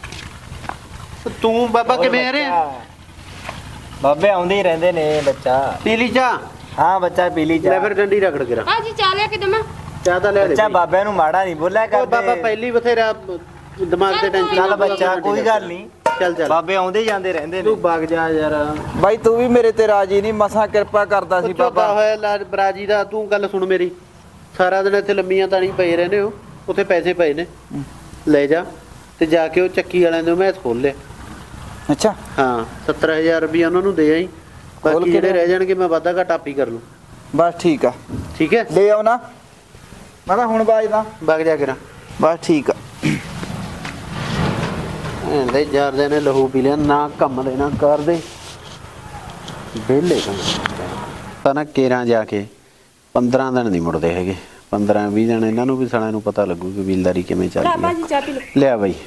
[SPEAKER 3] ਤੂੰ ਬਾਬਾ ਕਿਵੇਂ ਆ ਰਿਹਾ?
[SPEAKER 6] ਬਾਬੇ ਆਉਂਦੇ ਹੀ ਰਹਿੰਦੇ ਨੇ ਬੱਚਾ।
[SPEAKER 3] ਪੀਲੀ ਚਾਹ
[SPEAKER 6] ਹਾਂ ਬੱਚਾ ਪੀ ਲਈ
[SPEAKER 3] ਲੈ,
[SPEAKER 6] ਚਾਹ।
[SPEAKER 3] ਫਿਰ ਡੰਡੀ ਰਗੜ ਕੇ ਰੱਖ।
[SPEAKER 1] ਆ ਜੀ ਚਾਹ ਲਿਆ ਕੇ ਦਮਾ।
[SPEAKER 3] ਚਾਹ ਤਾਂ ਲੈ ਦੇ
[SPEAKER 6] ਬੱਚਾ ਬਾਬਿਆਂ ਨੂੰ ਮਾੜਾ ਨਹੀਂ ਬੋਲਿਆ
[SPEAKER 3] ਓਏ
[SPEAKER 6] ਕਰਦੇ।
[SPEAKER 3] ਬਾਬਾ ਪਹਿਲੀ ਬਥੇਰਾ ਦਿਮਾਗ ਤੇ ਟੈਨਸ਼ਨ।
[SPEAKER 6] ਚੱਲ ਬੱਚਾ ਕੋਈ ਗੱਲ ਨਹੀਂ,
[SPEAKER 3] ਚੱਲ ਚੱਲ
[SPEAKER 6] ਬਾਬੇ ਆਉਂਦੇ ਹੀ ਜਾਂਦੇ ਰਹਿੰਦੇ ਨੇ।
[SPEAKER 3] ਤੂੰ ਵਗ ਜਾ ਯਾਰ।
[SPEAKER 2] ਬਾਈ ਤੂੰ ਵੀ ਮੇਰੇ ਤੇ ਰਾਜੀ ਨਹੀਂ, ਮਸਾਂ ਕਿਰਪਾ ਕਰਦਾ ਸੀ
[SPEAKER 3] ਚੋਦਾ
[SPEAKER 2] ਬਾਬਾ।
[SPEAKER 3] ਹੋਇਆ ਬਰਾਜੀ ਦਾ। ਤੂੰ ਗੱਲ ਸੁਣ ਮੇਰੀ, ਸਾਰਾ ਦਿਨ ਇੱਥੇ ਲੰਮੀਆਂ ਤਾਣੀ ਪਏ ਰਹਿੰਦੇ ਹੋ, ਉੱਥੇ ਪੈਸੇ ਪਏ ਨੇ। ਲੈ ਜਾ ਤੇ ਜਾ ਕੇ ਉਹ ਚੱਕੀ ਵਾਲਿਆਂ ਦੇ ਮੈਚ ਖੋਲ ਲੈ।
[SPEAKER 2] ਅੱਛਾ
[SPEAKER 3] ਹਾਂ 70000 ਰੁਪਇਆ ਉਹਨਾਂ ਨੂੰ ਦੇ ਆਈ, ਬਾਕੀ ਜਿਹੜੇ ਰਹਿ ਜਾਣਗੇ ਮੈਂ ਵਾਧਾ ਘਾਟਾ ਆਪੀ ਕਰ ਲੂੰ।
[SPEAKER 2] ਬਸ ਠੀਕ ਆ,
[SPEAKER 3] ਠੀਕ ਹੈ,
[SPEAKER 2] ਲੈ ਆਉਣਾ ਮੈਂ ਤਾਂ ਹੁਣ ਬਾਜਦਾ।
[SPEAKER 3] ਵਗ ਜਾ ਕੇ ਨਾ।
[SPEAKER 2] ਬਸ ਠੀਕ ਆ।
[SPEAKER 3] ਇਹਦੇ ਜਾਰਦੇ ਨੇ ਲਹੂ ਪੀ ਲਿਆ, ਨਾ ਕੰਮ ਦੇ ਨਾ ਕਰਦੇ ਵਿਹਲੇ ਕੰਮ ਤਾਂ ਨਾ ਕੇਰਾਂ ਜਾ ਕੇ 15 ਦਿਨ ਨਹੀਂ ਮੁੜਦੇ ਹੈਗੇ। 15-20 ਦਿਨ ਇਹਨਾਂ ਨੂੰ ਵੀ ਸਾਲਿਆਂ ਨੂੰ ਪਤਾ ਲੱਗੂ ਕਿ ਕਬੀਲਦਾਰੀ ਕਿਵੇਂ ਚੱਲਦੀ ਹੈ।
[SPEAKER 1] ਚਾਹ ਪੀ ਲਓ।
[SPEAKER 3] ਲਿਆ ਬਾਈ,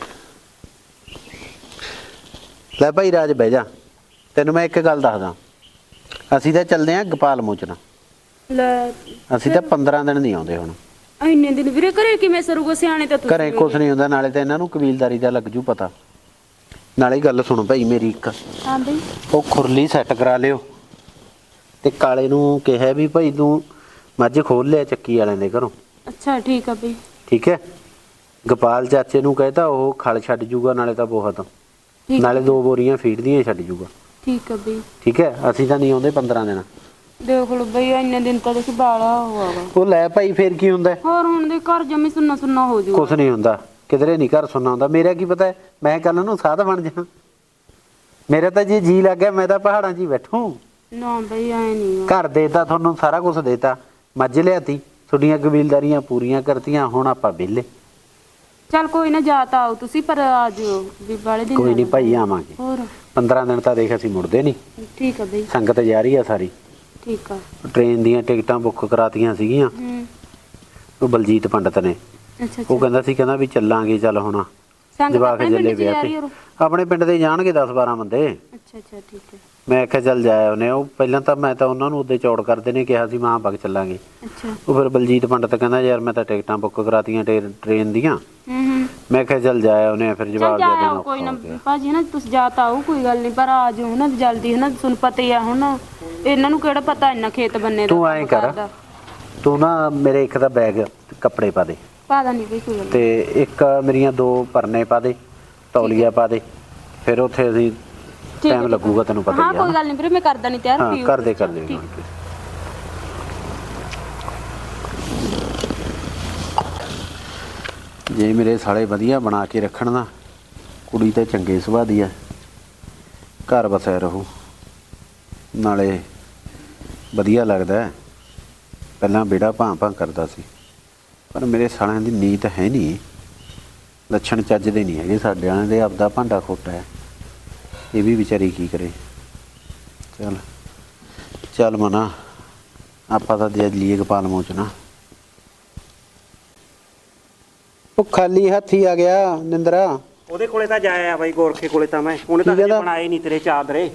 [SPEAKER 3] ਲੈ ਭਾਈ ਰਾਜ ਬਹਿ ਜਾ, ਤੈਨੂੰ ਮੈਂ ਇੱਕ ਗੱਲ ਦੱਸਦਾ। ਅਸੀਂ ਤਾਂ ਚੱਲਦੇ ਆਂ ਗੋਪਾਲ ਮੋਚਨਾ,
[SPEAKER 1] ਲੈ
[SPEAKER 3] ਅਸੀਂ ਤਾਂ 15 ਦਿਨ ਨਹੀਂ ਆਉਂਦੇ ਹੁਣ।
[SPEAKER 1] ਇੰਨੇ ਦਿਨ ਵੀਰੇ ਘਰੇ ਕਿਵੇਂ ਸਰੂਗਾ? ਸਿਆਣੇ ਤਾਂ ਤੁਸੀਂ
[SPEAKER 3] ਘਰੇ ਕੁਛ ਨਹੀਂ ਹੁੰਦਾ, ਨਾਲੇ ਤਾਂ ਇਹਨਾਂ ਨੂੰ ਕਬੀਲਦਾਰੀ ਦਾ ਲੱਗ ਜੂ ਪਤਾ। ਨਾਲੇ ਗੱਲ ਸੁਣੋ ਭਾਈ ਮੇਰੀ ਇੱਕ,
[SPEAKER 1] ਹਾਂ ਬਈ
[SPEAKER 3] ਉਹ ਖੁਰਲੀ ਸੈੱਟ ਕਰਾ ਲਿਓ ਤੇ ਕਾਲੇ ਨੂੰ ਕਿਹਾ ਵੀ ਭਾਈ ਤੂੰ ਮੱਝ ਖੋਲ ਲਿਆ ਚੱਕੀ ਵਾਲਿਆਂ ਦੇ ਘਰੋਂ।
[SPEAKER 1] ਅੱਛਾ ਠੀਕ ਆ ਬਈ।
[SPEAKER 3] ਠੀਕ ਹੈ, ਗੋਪਾਲ ਚਾਚੇ ਨੂੰ ਕਹਿਤਾ ਉਹ ਖਲ ਛੱਡ ਜੂਗਾ, ਨਾਲੇ ਤਾਂ ਬਹੁਤ,
[SPEAKER 1] ਠੀਕ
[SPEAKER 3] ਨਾਲੇ 2 ਬੋਰੀਆਂ ਫੀਡ ਦੀਆਂ ਛੱਡ ਜੂਗਾ।
[SPEAKER 1] ਠੀਕ ਆ ਬਈ।
[SPEAKER 3] ਠੀਕ ਹੈ, ਅਸੀਂ ਤਾਂ ਨਹੀਂ ਆਉਂਦੇ 15 ਦਿਨ।
[SPEAKER 1] ਦੇਖ ਲਓ ਬਈ ਇੰਨੇ ਦਿਨ ਤਾਂ ਦੇਖ ਬਾਲਾ ਹੋਵਾਗਾ।
[SPEAKER 3] ਉਹ ਲੈ ਭਾਈ ਫੇਰ ਕੀ ਹੁੰਦਾ?
[SPEAKER 1] ਹੋਰ ਹੁਣ ਦੇ ਘਰ ਜਮੀ ਸੁੰਨਾ ਸੁੰਨਾ ਹੋ ਜੂਗਾ।
[SPEAKER 3] ਕੁਛ ਨਹੀਂ ਹੁੰਦਾ, ਕਿਧਰੇ ਨਹੀਂ ਘਰ ਸੁਣਨਾ ਹੁੰਦਾ। ਮੇਰਾ ਕੀ ਪਤਾ ਮੈਂ ਕੱਲ ਨੂੰ ਸਾਧ ਬਣ ਜਾ। ਮੇਰਾ ਤਾਂ ਜੇ ਜੀ ਲੱਗ ਗਿਆ ਮੈਂ ਤਾਂ ਪਹਾੜਾਂ 'ਚ ਹੀ ਬੈਠੂ।
[SPEAKER 1] ਨਾ ਬਈ ਐ ਨਹੀਂ।
[SPEAKER 3] ਘਰ ਦੇਤਾ ਤੁਹਾਨੂੰ, ਸਾਰਾ ਕੁਝ ਦੇਤਾ, ਮੱਝ ਲਿਆਤੀ, ਤੁਹਾਡੀਆਂ ਕਬੀਲਦਾਰੀਆਂ ਪੂਰੀਆਂ ਕਰਤੀਆਂ, ਹੁਣ ਆਪਾਂ ਵਿਹਲੇ।
[SPEAKER 1] ਚੱਲ ਕੋਈ ਨਾ, ਜਾ ਤਾਂ ਆਓ ਤੁਸੀਂ, ਪਰ ਆ ਜਿਓ ਵੀ ਬਾਲੇ ਦਿਨ।
[SPEAKER 3] ਕੋਈ ਨਹੀਂ ਭਾਈ ਆਵਾਂਗੇ।
[SPEAKER 1] ਹੋਰ
[SPEAKER 3] 15 ਦਿਨ ਤਾਂ ਦੇਖ ਅਸੀਂ ਮੁੜਦੇ ਨਹੀਂ।
[SPEAKER 1] ਠੀਕ ਆ ਬਈ।
[SPEAKER 3] ਸੰਗਤ ਜਾ ਰਹੀ ਆ ਸਾਰੀ।
[SPEAKER 1] ਠੀਕ ਆ।
[SPEAKER 3] ਟ੍ਰੇਨ ਦੀਆਂ ਟਿਕਟਾਂ ਬੁੱਕ ਕਰਾਤੀਆਂ ਸੀਗੀਆਂ ਉਹ ਬਲਜੀਤ ਪੰਡਤ ਨੇ।
[SPEAKER 1] ਅੱਛਾ
[SPEAKER 3] ਉਹ ਕਹਿੰਦਾ ਸੀ, ਕਹਿੰਦਾ ਵੀ ਚੱਲਾਂਗੇ, ਚੱਲ ਹੁਣ
[SPEAKER 1] ਸੰਗਤ
[SPEAKER 3] ਜਵਾਕ
[SPEAKER 1] ਆਪਣੇ
[SPEAKER 3] ਜੱਲੇ
[SPEAKER 1] ਪਿੰਡ 'ਚ ਜਾ
[SPEAKER 3] ਵਿਆਹ
[SPEAKER 1] ਰਹੀ
[SPEAKER 3] ਤੇ
[SPEAKER 1] ਹੋਰ?
[SPEAKER 3] ਆਪਣੇ ਪਿੰਡ ਦੇ ਜਾਣਗੇ 10-12 ਬੰਦੇ।
[SPEAKER 1] ਅੱਛਾ ਅੱਛਾ ਠੀਕ ਹੈ।
[SPEAKER 3] ਮੈਂ ਆਖਿਆ ਚੱਲ ਜਾਇਆ ਉਹਨੇ। ਉਹ ਪਹਿਲਾਂ ਤਾਂ ਮੈਂ ਤਾਂ ਉਹਨਾਂ ਨੂੰ ਉਹਦੇ ਚੌੜ ਕਰਦੇ ਨੇ ਕਿਹਾ ਸੀ ਮਾਂ ਬਗ ਚੱਲਾਂਗੇ।
[SPEAKER 1] ਅੱਛਾ।
[SPEAKER 3] ਉਹ ਫਿਰ ਬਲਜੀਤ ਪੰਡਤ ਕਹਿੰਦਾ ਯਾਰ ਮੈਂ ਤਾਂ ਟਿਕਟਾਂ ਬੁੱਕ ਕਰਾਤੀਆਂ ਟ੍ਰੇਨ ਦੀਆਂ। ਮੈਂ ਕਿਹਾ ਚੱਲ ਜਾਇਆ ਉਹਨੇ। ਫਿਰ ਜਵਾਬ ਦੇ ਦੇਣਾ
[SPEAKER 1] ਕੋਈ ਨਾ ਭਾਜੀ ਨਾ, ਤੁਸੀਂ ਜਾ ਤਾਂ ਆਓ, ਕੋਈ ਗੱਲ ਨਹੀਂ, ਪਰ ਆ ਜਾਓ ਨਾ ਜਲਦੀ, ਹੈ ਨਾ, ਤੁਹਾਨੂੰ ਪਤਾ ਹੀ ਆ ਹੁਣ ਇਹਨਾਂ ਨੂੰ ਕਿਹੜਾ ਪਤਾ ਇੰਨਾ ਖੇਤ ਬੰਨੇ ਦਾ।
[SPEAKER 3] ਤੂੰ ਐਂ ਕਰ, ਤੂੰ ਨਾ ਮੇਰੇ ਇੱਕ ਦਾ ਬੈਗ ਕੱਪੜੇ ਪਾ ਦੇ।
[SPEAKER 1] ਪਾ ਦਾ ਨਹੀਂ ਬਈ ਕੋਈ ਗੱਲ ਨੀ।
[SPEAKER 3] ਤੇ ਇੱਕ ਮੇਰੀਆਂ 2 ਪਰਨੇ ਪਾ ਦੇ, ਤੌਲੀਆ ਪਾ ਦੇ। ਫਿਰ ਉੱਥੇ ਅਸੀਂ
[SPEAKER 1] ਠੀਕ
[SPEAKER 3] ਟਾਈਮ
[SPEAKER 1] ਹੈ।
[SPEAKER 3] ਲੱਗੂਗਾ, ਤੈਨੂੰ ਪਤਾ
[SPEAKER 1] ਹਾਂ
[SPEAKER 3] ਹੀ ਆ।
[SPEAKER 1] ਕੋਈ ਗੱਲ ਨਹੀਂ ਵੀਰੇ, ਮੈਂ ਕਰਦਾ ਨਹੀਂ ਤਿਆਰ।
[SPEAKER 3] ਹਾਂ
[SPEAKER 1] ਪੀਓ।
[SPEAKER 3] ਕਰ ਦੇ
[SPEAKER 1] ਠੀਕ।
[SPEAKER 3] ਜੇ ਮੇਰੇ ਸਾਲੇ ਵਧੀਆ ਬਣਾ ਕੇ ਰੱਖਣ ਨਾ, ਕੁੜੀ ਤਾਂ ਚੰਗੇ ਸੁਭਾਅ ਦੀ ਆ, ਘਰ ਵਸਿਆ ਰਹੂ, ਨਾਲੇ ਵਧੀਆ ਲੱਗਦਾ। ਪਹਿਲਾਂ ਬੇੜਾ ਭਾਂ ਕਰਦਾ ਸੀ, ਪਰ ਮੇਰੇ ਸਾਲਿਆਂ ਦੀ ਨੀਤ ਹੈ ਨਹੀਂ, ਲੱਛਣ ਚੱਜ ਦੇ ਨਹੀਂ ਹੈਗੇ ਸਾਡੇ ਵਾਲਿਆਂ ਦੇ। ਆਪਦਾ ਭਾਂਡਾ ਖੋਟਾ ਹੈ, ਇਹ ਵੀ ਵਿਚਾਰੀ ਕੀ ਕਰੇ। ਚੱਲ ਚੱਲ ਮਨਾ, ਆਪਾਂ ਤਾਂ ਦੇ ਲਈਏ ਗੋਪਾਲ ਮੋਚਨਾ। ਉਹ ਖਾਲੀ ਹੱਥੀ ਆ ਗਿਆ ਨਿੰਦਰਾ।
[SPEAKER 7] ਉਹਦੇ ਕੋਲੇ ਤਾਂ ਜਾਇਆ ਬਾਈ, ਗੋਰਖੇ ਕੋਲੇ ਤਾਂ ਉਹਨੇ ਤਾਂ
[SPEAKER 3] ਕੀ
[SPEAKER 7] ਹਜੇ
[SPEAKER 3] ਕਹਿੰਦਾ?
[SPEAKER 7] ਬਣਾਏ ਨਹੀਂ ਤੇਰੇ ਚਾਦਰੇ।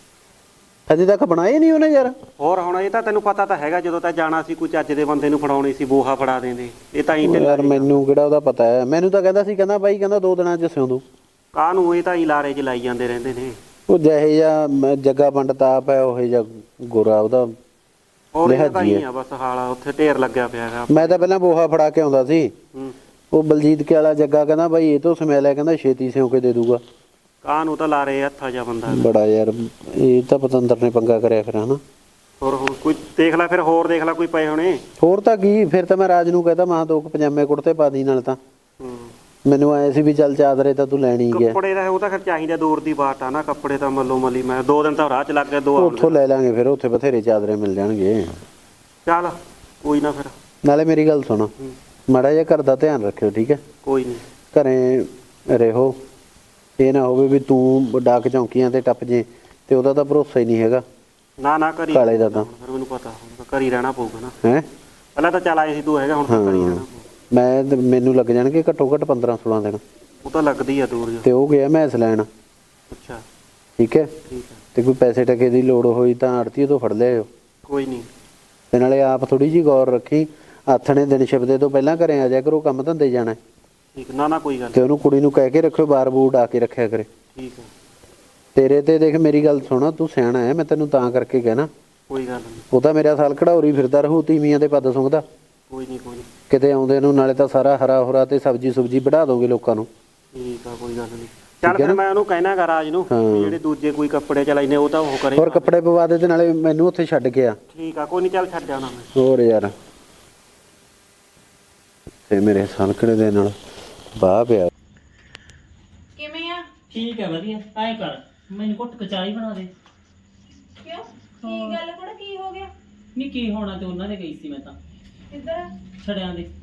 [SPEAKER 3] ਅਜੇ ਤੱਕ ਬਣਾਏ ਨਹੀਂ ਉਹਨੇ ਯਾਰ।
[SPEAKER 7] ਹੋਰ ਹੁਣ ਇਹ ਤਾਂ ਤੈਨੂੰ ਪਤਾ ਤਾਂ ਹੈਗਾ, ਜਦੋਂ ਤਾਂ ਜਾਣਾ ਸੀ ਕੋਈ ਚੱਜ ਦੇ ਬੰਦੇ ਨੂੰ ਫੜਾਉਣੀ ਸੀ, ਬੋਹਾ ਫੜਾ ਦਿੰਦੇ। ਇਹ ਤਾਂ ਹੀ
[SPEAKER 3] ਯਾਰ ਮੈਨੂੰ ਕਿਹੜਾ ਉਹਦਾ ਪਤਾ ਹੈ। ਮੈਨੂੰ ਤਾਂ ਕਹਿੰਦਾ ਸੀ, ਕਹਿੰਦਾ ਬਾਈ ਕਹਿੰਦਾ 2 ਦਿਨਾਂ 'ਚ ਸਿਉਂ ਦੂ।
[SPEAKER 7] ਕਾਹਨੂੰ, ਇਹ ਤਾਂ ਹੀ ਲਾਰੇ 'ਚ ਲਾਈ ਜਾਂਦੇ ਰਹਿੰਦੇ ਨੇ।
[SPEAKER 3] ਉਹ ਜਿਹੇ ਜਾਂ ਜੱਗਾ ਪੰਡਤ ਆਪ ਹੈ, ਉਹ ਜਿਹਾ ਗੋਰਾ ਉਹਦਾ
[SPEAKER 7] ਹੋਰ ਇਹ ਤਾਂ
[SPEAKER 3] ਲਿਹਾਜੀ
[SPEAKER 7] ਹੀ ਆ ਬਸ ਹਾਲ, ਉੱਥੇ ਢੇਰ ਲੱਗਿਆ ਪਿਆ ਹੈਗਾ।
[SPEAKER 3] ਮੈਂ ਤਾਂ ਪਹਿਲਾਂ ਬੋਹਾ ਫੜਾ ਕੇ ਆਉਂਦਾ ਸੀ।
[SPEAKER 7] ਹੂੰ।
[SPEAKER 3] ਉਹ ਬਲਜੀਤ ਕੇ ਵਾਲਾ ਜੱਗਾ ਕਹਿੰਦਾ ਬਾਈ ਇਹ ਤੋਂ ਸਮੈਲ ਹੈ, ਕਹਿੰਦਾ ਛੇਤੀ ਸਿਉਂ ਕੇ ਦੇ ਦੂਗਾ।
[SPEAKER 7] ਕਾਹਨੂੰ ਤਾਂ ਲਾਰੇ ਹੱਥਾ ਜਾ ਬੰਦਾ।
[SPEAKER 3] ਬੜਾ ਯਾਰ, ਇਹ ਤਾਂ ਪਤੰਦਰ ਨੇ ਪੰਗਾ ਕਰਿਆ ਫਿਰ ਹਨਾ।
[SPEAKER 7] ਹੋਰ ਹੁਣ ਕੋਈ ਦੇਖ ਲੈ, ਫਿਰ ਹੋਰ ਦੇਖ ਲੈ ਕੋਈ ਪਏ ਹੋਣੇ।
[SPEAKER 3] ਹੋਰ ਤਾਂ ਕੀ, ਫਿਰ ਤਾਂ ਮੈਂ ਰਾਜ ਨੂੰ ਕਹਤਾ ਮੈਂ 2 ਪਜਾਮੇ ਕੁੜਤੇ ਪਾ ਦੀ ਨਾਲ। ਤਾਂ
[SPEAKER 7] ਹੂੰ।
[SPEAKER 3] ਮੈਨੂੰ ਆਏ ਸੀ ਵੀ ਚੱਲ ਚਾਦਰੇ ਤਾਂ ਤੂੰ ਲੈਣੀ ਹੀ ਗਿਆ।
[SPEAKER 7] ਕੱਪੜੇ ਦਾ ਉਹ ਤਾਂ ਫਿਰ ਚਾਹੀਦਾ, ਦੂਰ ਦੀ ਬਾਤ ਆ ਨਾ। ਕੱਪੜੇ ਤਾਂ ਮੱਲੋ ਮੱਲੀ, ਮੈਂ 2 ਦਿਨ ਤਾਂ ਰਾਹ 'ਚ ਲੱਗ ਗਏ, 2
[SPEAKER 3] ਉੱਥੋਂ ਲੈ ਲਾਂਗੇ ਫਿਰ, ਉੱਥੇ ਬਥੇਰੇ ਚਾਦਰੇ ਮਿਲ ਜਾਣਗੇ।
[SPEAKER 7] ਚੱਲ ਕੋਈ ਨਾ ਫਿਰ।
[SPEAKER 3] ਨਾਲੇ ਮੇਰੀ ਗੱਲ ਸੁਣੋ, ਮਾੜਾ ਜਿਹਾ ਘਰ ਦਾ ਧਿਆਨ ਰੱਖਿਓ, ਠੀਕ ਹੈ?
[SPEAKER 7] ਕੋਈ ਨਹੀਂ।
[SPEAKER 3] ਘਰੇ ਰਹੋ, ਇਹ ਨਾ ਹੋਵੇ ਵੀ ਤੂੰ ਡਾਕ ਚੌਂਕੀਆਂ ਤੇ ਟੱਪ ਜੇ ਤੇ ਉਹਦਾ ਤਾਂ ਭਰੋਸਾ ਹੀ ਨਹੀਂ ਹੈਗਾ।
[SPEAKER 7] ਨਾ ਨਾ ਕਰੀ
[SPEAKER 3] ਕਾਲੇ ਦਾ ਤਾਂ
[SPEAKER 7] ਫਿਰ ਮੈਨੂੰ ਪਤਾ, ਹੁਣ ਤਾਂ ਘਰੀ ਰਹਿਣਾ ਪਊਗਾ ਨਾ।
[SPEAKER 3] ਹੈ
[SPEAKER 7] ਪਹਿਲਾਂ ਤਾਂ ਚੱਲ ਆਏ ਸੀ ਤੂੰ ਹੈਗਾ, ਹੁਣ ਤਾਂ ਘਰੀ ਰਹਿਣਾ ਪਊ।
[SPEAKER 3] ਮੈਨੂੰ ਲੱਗ ਜਾਣਗੇ ਘੱਟੋ ਘੱਟ 15-16 ਦਿਨ।
[SPEAKER 7] ਉਹ ਤਾਂ ਲੱਗਦੀ ਆ ਦੂਰ ਜਾ।
[SPEAKER 3] ਤੇ ਉਹ ਗਿਆ ਮੈਸ ਲੈਣ,
[SPEAKER 7] ਅੱਛਾ
[SPEAKER 3] ਠੀਕ ਹੈ?
[SPEAKER 7] ਠੀਕ ਆ,
[SPEAKER 3] ਤੇ ਕੋਈ ਪੈਸੇ ਟਕੇ ਦੀ ਲੋੜ ਹੋਈ ਤਾਂ ਆੜਤੀ ਤੋਂ ਫੜ ਲਿਆਓ।
[SPEAKER 7] ਕੋਈ ਨਹੀਂ।
[SPEAKER 3] ਤੇ ਨਾਲੇ ਆਪ ਥੋੜੀ ਜੀ ਗੌਰ ਰੱਖੀ, ਆਥਣੇ ਦਿਨ ਛਿਪਦੇ ਤੋਂ ਪਹਿਲਾਂ ਘਰੇ ਆ ਜਾ ਕਰੋ, ਕੰਮ ਧੰਦੇ ਜਾਣਾ।
[SPEAKER 7] ਠੀਕ, ਨਾ ਨਾ ਕੋਈ ਗੱਲ
[SPEAKER 3] ਤੇ ਉਹਨੂੰ ਕੁੜੀ ਨੂੰ ਕਹਿ ਕੇ ਰੱਖਿਓ, ਬਾਰ ਬੂਰ ਆ ਕੇ ਰੱਖਿਆ ਕਰੇ।
[SPEAKER 7] ਠੀਕ ਆ,
[SPEAKER 3] ਤੇਰੇ ਤੇ ਦੇਖ ਮੇਰੀ ਗੱਲ ਸੁਣਾ, ਤੂੰ ਸਿਆਣਾ ਹੈ, ਮੈਂ ਤੈਨੂੰ ਤਾਂ ਕਰਕੇ ਕਹਿਣਾ।
[SPEAKER 7] ਕੋਈ ਗੱਲ ਨਹੀਂ।
[SPEAKER 3] ਉਹ ਤਾਂ ਮੇਰਾ ਸਾਲ ਖੜਾਉਰੀ ਫਿਰਦਾ ਰਹੂ ਤੀਵੀਆਂ ਦੇ ਪੱਦ ਸੁੰਘਦਾ।
[SPEAKER 7] ਕੋਈ ਨਹੀਂ ਕੋਈ ਨਹੀਂ।
[SPEAKER 3] ਕਿਤੇ ਆਉਂਦੇ ਨੂੰ ਨਾਲੇ ਤਾਂ ਸਾਰਾ ਹਰਾ ਹੋਰਾ ਤੇ ਸਬਜੀ ਸੁਬਜੀ ਵਢਾ ਦੋਗੇ ਲੋਕਾਂ ਨੂੰ।
[SPEAKER 7] ਠੀਕ ਆ, ਕੋਈ ਗੱਲ ਨਹੀਂ। ਚੱਲ ਫਿਰ ਮੈਂ ਉਹਨੂੰ ਕਹਿਣਾ ਰਾਜ ਨੂੰ ਵੀ ਜਿਹੜੇ ਦੂਜੇ ਕੋਈ ਕੱਪੜੇ ਚਲਾਈਨੇ ਉਹ ਤਾਂ ਉਹ ਕਰੇ।
[SPEAKER 3] ਹੋਰ ਕੱਪੜੇ ਪਵਾ ਦੇ ਤੇ ਨਾਲੇ ਮੈਨੂੰ ਉੱਥੇ ਛੱਡ ਕੇ ਆ।
[SPEAKER 7] ਠੀਕ ਆ, ਕੋਈ ਨਹੀਂ, ਚੱਲ ਛੱਡ ਜਾਣਾ ਮੈਂ।
[SPEAKER 3] ਹੋਰ ਯਾਰ, ਤੇ ਮੇਰੇ ਸਲਕੜੇ ਦੇ ਨਾਲ ਬਾਹ ਪਿਆ।
[SPEAKER 4] ਠੀਕ ਹੈ ਵਧੀਆ। ਐਂ ਕਰ ਮੈਨੂੰ ਘੁੱਟ ਕੇ ਚਾਹ ਹੀ ਬਣਾ ਦੇ।
[SPEAKER 5] ਕਿਉਂ ਕੀ ਗੱਲ ਕੋੜਾ ਕੀ ਹੋ ਗਿਆ?
[SPEAKER 4] ਨਹੀਂ ਕੀ ਹੋਣਾ, ਤੇ ਉਹਨਾਂ ਦੇ ਗਈ ਸੀ ਮੈਂ ਤਾਂ
[SPEAKER 5] ਕਿੱਧਰ?
[SPEAKER 4] ਛੜਿਆਂ ਦੇ।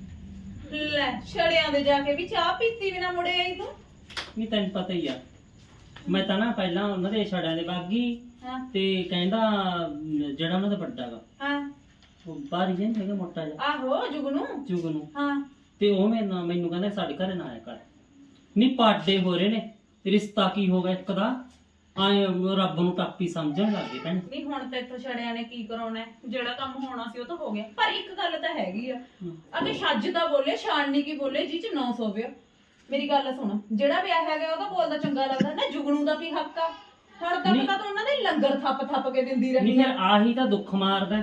[SPEAKER 5] ਲੈ ਛੜਿਆਂ ਦੇ ਜਾ ਕੇ ਵੀ ਚਾਹ ਪੀਤੀ ਬਿਨਾ ਮੁੜੇ ਆਈ ਤੂੰ?
[SPEAKER 4] ਨਹੀਂ ਤੈਨੂੰ ਪਤਾ ਹੀ ਆ, ਮੈਂ ਤਾਂ ਨਾ ਪਹਿਲਾਂ ਉਹਨਾਂ ਦੇ ਛੜਿਆਂ ਦੇ ਬਾਗੀ
[SPEAKER 5] ਹਾਂ
[SPEAKER 4] ਤੇ ਕਹਿੰਦਾ ਜਿਹੜਾ ਉਹਨਾਂ ਦਾ ਵੱਡਾ ਗਾ
[SPEAKER 5] ਹਾਂ
[SPEAKER 4] ਉਹ ਬਾਹਰ ਹੀ ਹੈਗਾ ਮੋਟਾ ਜਿਹਾ
[SPEAKER 5] ਆਹੋ ਜੁਗਨੂ
[SPEAKER 4] ਚੁਗਨੂ,
[SPEAKER 5] ਹਾਂ
[SPEAKER 4] ਤੇ ਉਹ ਮੈਨੂੰ ਕਹਿੰਦਾ ਸਾਡੇ ਘਰੇ ਨਾ ਆਇਆ ਕਰ। ਨਹੀਂ ਪਾਡੇ ਹੋ ਰਹੇ ਨੇ, ਰਿਸ਼ਤਾ ਕੀ ਹੋ ਗਿਆ ਇੱਕ ਦਾ, ਆਏ ਰੱਬ ਨੂੰ ਟਾਪੀ ਸਮਝਣ ਲੱਗ ਗਏ ਭੈਣ।
[SPEAKER 5] ਨਹੀਂ ਹੁਣ ਤੇ ਇੱਥੋਂ ਛੜਿਆਂ ਨੇ ਕੀ ਕਰਾਉਣਾ ਹੈ? ਜਿਹੜਾ ਕੰਮ ਹੋਣਾ ਸੀ ਉਹ ਤਾਂ ਹੋ ਗਿਆ, ਪਰ ਇੱਕ ਗੱਲ ਤਾਂ ਹੈਗੀ ਆ ਅਗੇ ਛੱਜ ਤਾਂ ਬੋਲੇ ਛਾਣਨੀ ਕੀ ਬੋਲੇ ਜੀ ਚ 900 ਵਿਓ। ਮੇਰੀ ਗੱਲ ਸੁਣ, ਜਿਹੜਾ ਵਿਆਹ ਹੈਗਾ ਉਹਦਾ ਬੋਲਦਾ ਚੰਗਾ ਲੱਗਦਾ ਨਾ, ਜੁਗਨੂ ਦਾ ਕੀ ਹੱਕ ਆ? ਹੁਣ ਤੱਕ ਤਾਂ ਉਹਨਾਂ ਦੇ ਲੰਗਰ ਥੱਪ ਕੇ ਦਿੰਦੀ ਰਹੀ
[SPEAKER 4] ਨਹੀਂ ਫਿਰ ਆਹੀ ਤਾਂ ਦੁੱਖ ਮਾਰਦਾ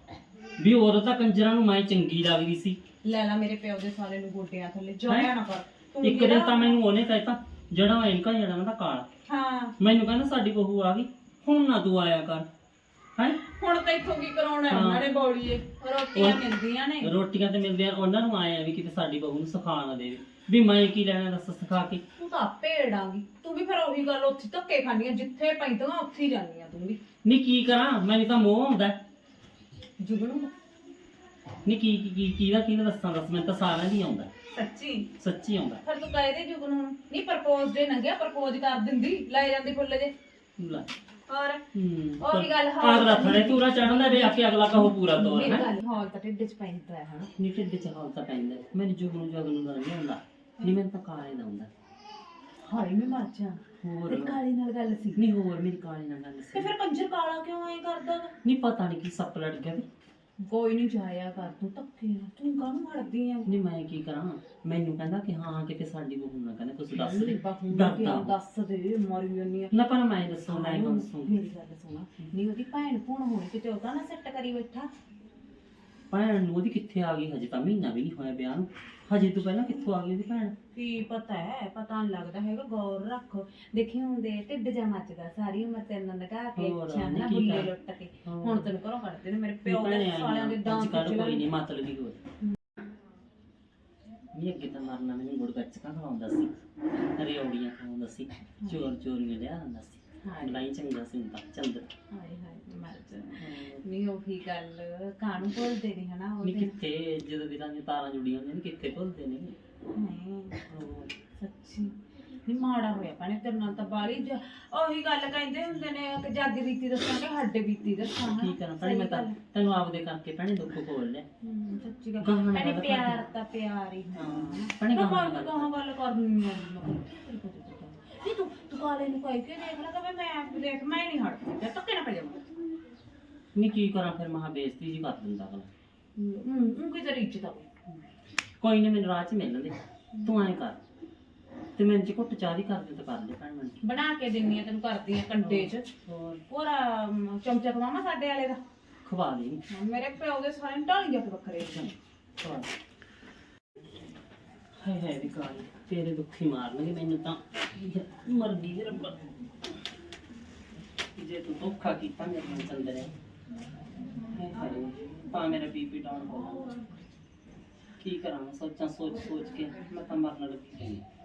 [SPEAKER 4] ਵੀ ਉਦੋਂ ਤਾਂ ਕੰਜਰਾਂ ਨੂੰ ਮੈਂ ਚੰਗੀ ਲੱਗਦੀ ਸੀ।
[SPEAKER 5] ਲੈ ਮੇਰੇ ਪਿਓ ਦੇ ਸਾਲੇ ਨੂੰ ਗੋਡਿਆਂ ਥੱਲੇ ਜਾਇਆ ਨਾ ਕਰ ਤੂੰ।
[SPEAKER 4] ਇੱਕ ਦਿਨ ਤਾਂ ਮੈਨੂੰ ਉਹਨੇ ਕਹਿਤਾ ਜਿਹੜਾ ਐਨਕਾਂ ਜਿਹੜਾ ਨਾ ਕਾਲਾ,
[SPEAKER 5] ਹਾਂ
[SPEAKER 4] ਮੈਨੂੰ ਕਹਿੰਦਾ ਸਾਡੀ ਬਹੂ ਆ ਗਈ, ਹੁਣ ਨਾ ਤੂੰ ਆਇਆ ਕਰ। ਹੈ
[SPEAKER 5] ਹੁਣ ਤਾਂ ਇੱਥੋਂ ਕੀ ਕਰਾਉਣਾ ਉਹਨਾਂ ਨੇ ਬੌੜੀਏ, ਰੋਟੀਆਂ ਮਿਲਦੀਆਂ ਨੇ।
[SPEAKER 4] ਰੋਟੀਆਂ ਤੇ ਮਿਲਦੀਆਂ, ਉਹਨਾਂ ਨੂੰ ਆਏ ਆ ਵੀ ਕਿਤੇ ਸਾਡੀ ਬਹੂ ਨੂੰ ਸਿਖਾ ਨਾ ਦੇਵੇ, ਵੀ ਮੈਂ ਕੀ ਲੈਣਾ ਦੱਸ ਸਿਖਾ ਕੇ।
[SPEAKER 5] ਤੂੰ ਤਾਂ ਭੇੜਾਂਗੀ, ਤੂੰ ਵੀ ਫਿਰ ਉਹੀ ਗੱਲ ਉੱਥੇ ਧੱਕੇ ਖਾਂਦੀਆਂ, ਜਿੱਥੇ ਪੈਂਦੀਆਂ ਉੱਥੇ ਹੀ ਜਾਂਦੀਆਂ ਤੂੰ ਵੀ।
[SPEAKER 4] ਨਹੀਂ ਕੀ ਕਰਾਂ, ਮੈਨੂੰ ਤਾਂ ਮੋਹ ਆਉਂਦਾ।
[SPEAKER 5] ਜੁਗਨੂ
[SPEAKER 4] ਨਹੀਂ ਕਿਹਦਾ ਦੱਸਾਂ, ਦੱਸ ਮੈਨੂੰ ਤਾਂ ਸਾਰਿਆਂ ਦੀ ਆਉਂਦਾ, ਸੱਚੀ ਆਉਂਦਾ।
[SPEAKER 5] ਫਿਰ ਤੂੰ ਕਹਿ ਦੇ ਜੁਗਨੂ ਨੂੰ, ਨਹੀਂ ਪ੍ਰਪੋਜ਼ ਦੇ ਨੰਗਿਆ ਪ੍ਰਪੋਜ਼ ਕਰ ਦਿੰਦੀ, ਲੈ ਜਾਂਦੀ ਫੁੱਲ ਜੇ।
[SPEAKER 4] ਲੈ
[SPEAKER 5] ਹੋਰ ਉਹੀ ਗੱਲ
[SPEAKER 4] ਅਗਲਾ ਥੜੇ ਤੂਰਾ ਚੜਨ ਦਾ ਵੇ ਆ ਕੇ ਅਗਲਾ ਕਹੋ ਪੂਰਾ ਤੋਰ
[SPEAKER 5] ਮੇਰੀ
[SPEAKER 4] ਹੈ।
[SPEAKER 5] ਗੱਲ ਹਾਲ ਤਾਂ ਢਿੱਡ ਚ ਪੈਂਦਾ ਹੈ ਹਨਾ।
[SPEAKER 4] ਨਹੀਂ ਢਿੱਡ ਚ ਹਾਲ ਤਾਂ ਪੈਂਦਾ, ਮੈਨੂੰ ਜੁਗਨੂੰ ਦਾ ਨਹੀਂ ਆਉਂਦਾ, ਨਹੀਂ ਮੈਨੂੰ ਤਾਂ ਕਾਲੇ ਦਾ ਆਉਂਦਾ।
[SPEAKER 5] ਹਾਏ ਮੈਂ ਮਰ ਜਾ,
[SPEAKER 4] ਹੋਰ
[SPEAKER 5] ਤੇਰੀ ਕਾਲੀ ਨਾਲ ਗੱਲ ਸੀ?
[SPEAKER 4] ਨਹੀਂ ਹੋਰ ਮੇਰੀ ਕਾਲੇ ਨਾਲ ਗੱਲ
[SPEAKER 5] ਤੇ
[SPEAKER 4] ਸੀ।
[SPEAKER 5] ਫਿਰ ਕੰਜਰ ਕਾਲਾ ਕਿਉਂ ਐ ਕਰਦਾ?
[SPEAKER 4] ਨਹੀਂ ਪਤਾ ਨਹੀਂ ਕੀ ਸੱਪ ਲੜ ਗਿਆ ਤੇ।
[SPEAKER 5] ਕੋਈ ਨਹੀਂ ਜਾਇਆ ਕਰ ਤੂੰ ਧੱਕੇ ਨਾਲ, ਤੂੰ ਕਾਹਨੂੰ ਹੜਦੀ ਆ?
[SPEAKER 4] ਨਹੀਂ ਮੈਂ ਕੀ ਕਰਾਂ, ਮੈਨੂੰ ਕਹਿੰਦਾ ਕਿ ਹਾਂ ਕਿਤੇ ਸਾਡੀ ਬਹੂ ਨਾ ਕਹਿੰਦਾ ਕੁਝ ਦੱਸ ਦੇ,
[SPEAKER 5] ਡਰਦਾ ਦੱਸ ਦੇ, ਮਰੀ ਜਾਂਦੀ ਆ।
[SPEAKER 4] ਨਾ ਪਰ ਮੈਂ ਦੱਸੂ ਮੈਂ ਦੱਸੂ।
[SPEAKER 5] ਮੇਰੀ ਗੱਲ ਸੁਣਾ, ਨਹੀਂ ਉਹਦੀ ਭੈਣ ਭੂਣ ਹੋਣੀ ਕਿਤੇ, ਉਹਦਾ ਨਾ ਸੈੱਟ ਕਰੀ ਬੈਠਾ।
[SPEAKER 4] ਭੈਣ ਨੂੰ ਉਹਦੀ ਕਿੱਥੇ ਆ ਗਈ, ਹਜੇ ਤਾਂ ਮਹੀਨਾ ਵੀ ਨਹੀਂ ਹੋਇਆ ਵਿਆਹ ਨੂੰ, ਹਜੇ ਤੋਂ ਪਹਿਲਾਂ ਕਿੱਥੋਂ ਆ ਗਈ ਉਹਦੀ ਭੈਣ?
[SPEAKER 5] ਕੀ ਪਤਾ ਹੈ, ਪਤਾ ਨਹੀਂ ਲੱਗਦਾ ਹੈਗਾ, ਗੌਰ ਰੱਖ। ਦੇਖੀ ਹੁੰਦੇ ਢਿੱਡ ਜਾ ਮੱਚਦਾ, ਸਾਰੀ ਉਮਰ ਤੈਨੂੰ ਲਗਾ ਕੇ
[SPEAKER 4] ਹੋਰ
[SPEAKER 5] ਅੱਛਾ ਨਾ
[SPEAKER 4] ਨਹੀਂ ਕੀ
[SPEAKER 5] ਬੁੱਲੇ
[SPEAKER 4] ਕਰ-
[SPEAKER 5] ਲੁੱਟ ਕੇ, ਹੁਣ ਤੈਨੂੰ ਘਰੋਂ ਕੱਢਦੇ ਨੇ। ਮੇਰੇ ਪਿਓ ਦੇ
[SPEAKER 4] ਭੈਣੇ
[SPEAKER 5] ਸਾਲਿਆਂ ਦੇ
[SPEAKER 4] ਅੱਜ
[SPEAKER 5] ਦਾਂਤ
[SPEAKER 4] ਕੱਲ੍ਹ ਕੋਈ ਨਹੀਂ
[SPEAKER 5] ਚ
[SPEAKER 4] ਮਤਲਬ ਹੀ ਹੋਰ। ਨਹੀਂ ਅੱਗੇ ਤਾਂ ਮਰਨਾ ਮੈਨੂੰ ਗੁੜ ਗੱਚਕਾਂ ਖਵਾਉਂਦਾ ਸੀ, ਰਿਓੜੀਆਂ ਖਵਾਉਂਦਾ ਸੀ, ਚੋਰੀਆਂ ਲਿਆ ਦਿੰਦਾ ਸੀ, ਲੜਾਈ ਚੰਗਾ ਸੀ ਹੁੰਦਾ ਚੰਦਰ।
[SPEAKER 5] ਹਾਏ ਹਾਏ ਮਰ ਜਾ। ਨਹੀਂ ਉਹੀ ਗੱਲ ਕਾਹਨੂੰ ਭੁੱਲਦੇ ਨੇ ਹਨਾ ਉਹ
[SPEAKER 4] ਨਹੀਂ
[SPEAKER 5] ਦਿਨ।
[SPEAKER 4] ਕਿੱਥੇ ਜਦੋਂ ਦੀ ਤਾਂ ਤਾਰਾਂ ਜੁੜੀਆਂ ਹੁੰਦੀਆਂ ਨੇ ਕਿੱਥੇ ਭੁੱਲਦੇ ਨੇ।
[SPEAKER 5] ਨਹੀਂ ਸੱਚੀ ਨਹੀਂ ਮਾੜਾ ਹੋਇਆ ਭੈਣੇ ਤੇਰੇ ਨਾਲ ਤਾਂ ਬਾਲੀ ਉਹੀ ਗੱਲ ਕਹਿੰਦੇ ਹੁੰਦੇ ਨੇ ਕਿ ਜੱਗ ਬੀਤੀ ਦੱਸਾਂਗੇ ਹੱਡੇ ਬੀਤੀ ਦੱਸਾਂਗੇ।
[SPEAKER 4] ਕੀ ਕਰਾਂ ਭੈਣੇ, ਮੈਂ ਤਾਂ ਤੈਨੂੰ ਆਪਦੇ ਕਰਕੇ ਭੈਣੇ ਦੁੱਖ ਖੋਲ ਲਿਆ।
[SPEAKER 5] ਸੱਚੀ ਗੱਲ ਭੈਣੇ, ਪਿਆਰ ਤਾਂ ਪਿਆਰ ਹੀ
[SPEAKER 4] ਭੈਣੇ
[SPEAKER 5] ਕਹਾਂ ਗੱਲ ਕਰਨੀ ਆ ਨਹੀਂ ਤੂੰ ਕਾਲੇ ਨੂੰ ਕਹਿ ਕੇ ਦੇਖ ਲੈ ਕਿ ਮੈਂ ਦੇਖ ਮੈਂ ਨਹੀਂ ਹਟਦੀ ਤੇ ਧੱਕੇ ਨਾ ਪੈ ਜਾਵਾਂ।
[SPEAKER 4] ਨਹੀਂ ਕੀ ਕਰਾਂ ਫਿਰ, ਮਹਾ ਬੇਇੱਜ਼ਤੀ ਜੀ ਕਰ ਦਿੰਦਾ ਅਗਲਾ।
[SPEAKER 5] ਉਹ ਕੀ ਤੇਰੀ ਇੱਜ਼ਤ ਆ?
[SPEAKER 4] ਕੋਈ ਨਹੀਂ ਮੈਨੂੰ ਰਾਹ 'ਚ ਮਿਲ ਲੈਂਦੇ, ਤੂੰ ਐਂ ਕਰ ਤੇ ਮੈਨੂੰ ਚ ਘੁੱਟ ਚਾਹ ਦੀ ਕਰ ਦੇ ਤਾਂ ਕਰ ਲੈ ਭੈਣ ਮੈਨੂੰ।
[SPEAKER 5] ਬਣਾ ਕੇ ਦਿੰਨੀ ਆ ਤੈਨੂੰ, ਕਰਦੀ ਆ ਕੰਡੇ 'ਚ ਪੂਰਾ ਚਮਚਾ ਖਵਾਵਾਂ ਸਾਡੇ ਵਾਲੇ ਦਾ।
[SPEAKER 4] ਖਵਾ ਲਈ
[SPEAKER 5] ਮੇਰੇ ਪਿਓ ਦੇ ਸਾਰੇ ਢਾਲੀਆਂ ਤੇ ਵੱਖਰੇ
[SPEAKER 4] ਖਵਾ। ਹਾਏ ਵੀ ਕਾਲੀ ਤੇਰੇ ਦੁੱਖੀ ਮਾਰਨਗੇ ਮੈਨੂੰ ਤਾਂ, ਮਰ ਗਈ ਰੱਬਾ ਜੇ ਤੂੰ ਧੋਖਾ ਕੀਤਾ ਮੇਰੇ ਨਾਲ ਚੰਦਰੇ। ਹਾਏ ਤਾਂ ਮੇਰਾ ਬੀਪੀ ਡਾਊਨ ਹੋ ਗਿਆ, ਕੀ ਕਰਾਂ ਸੋਚ ਕੇ ਮੈਂ ਤਾਂ ਮਰਨ ਲੱਗੀ।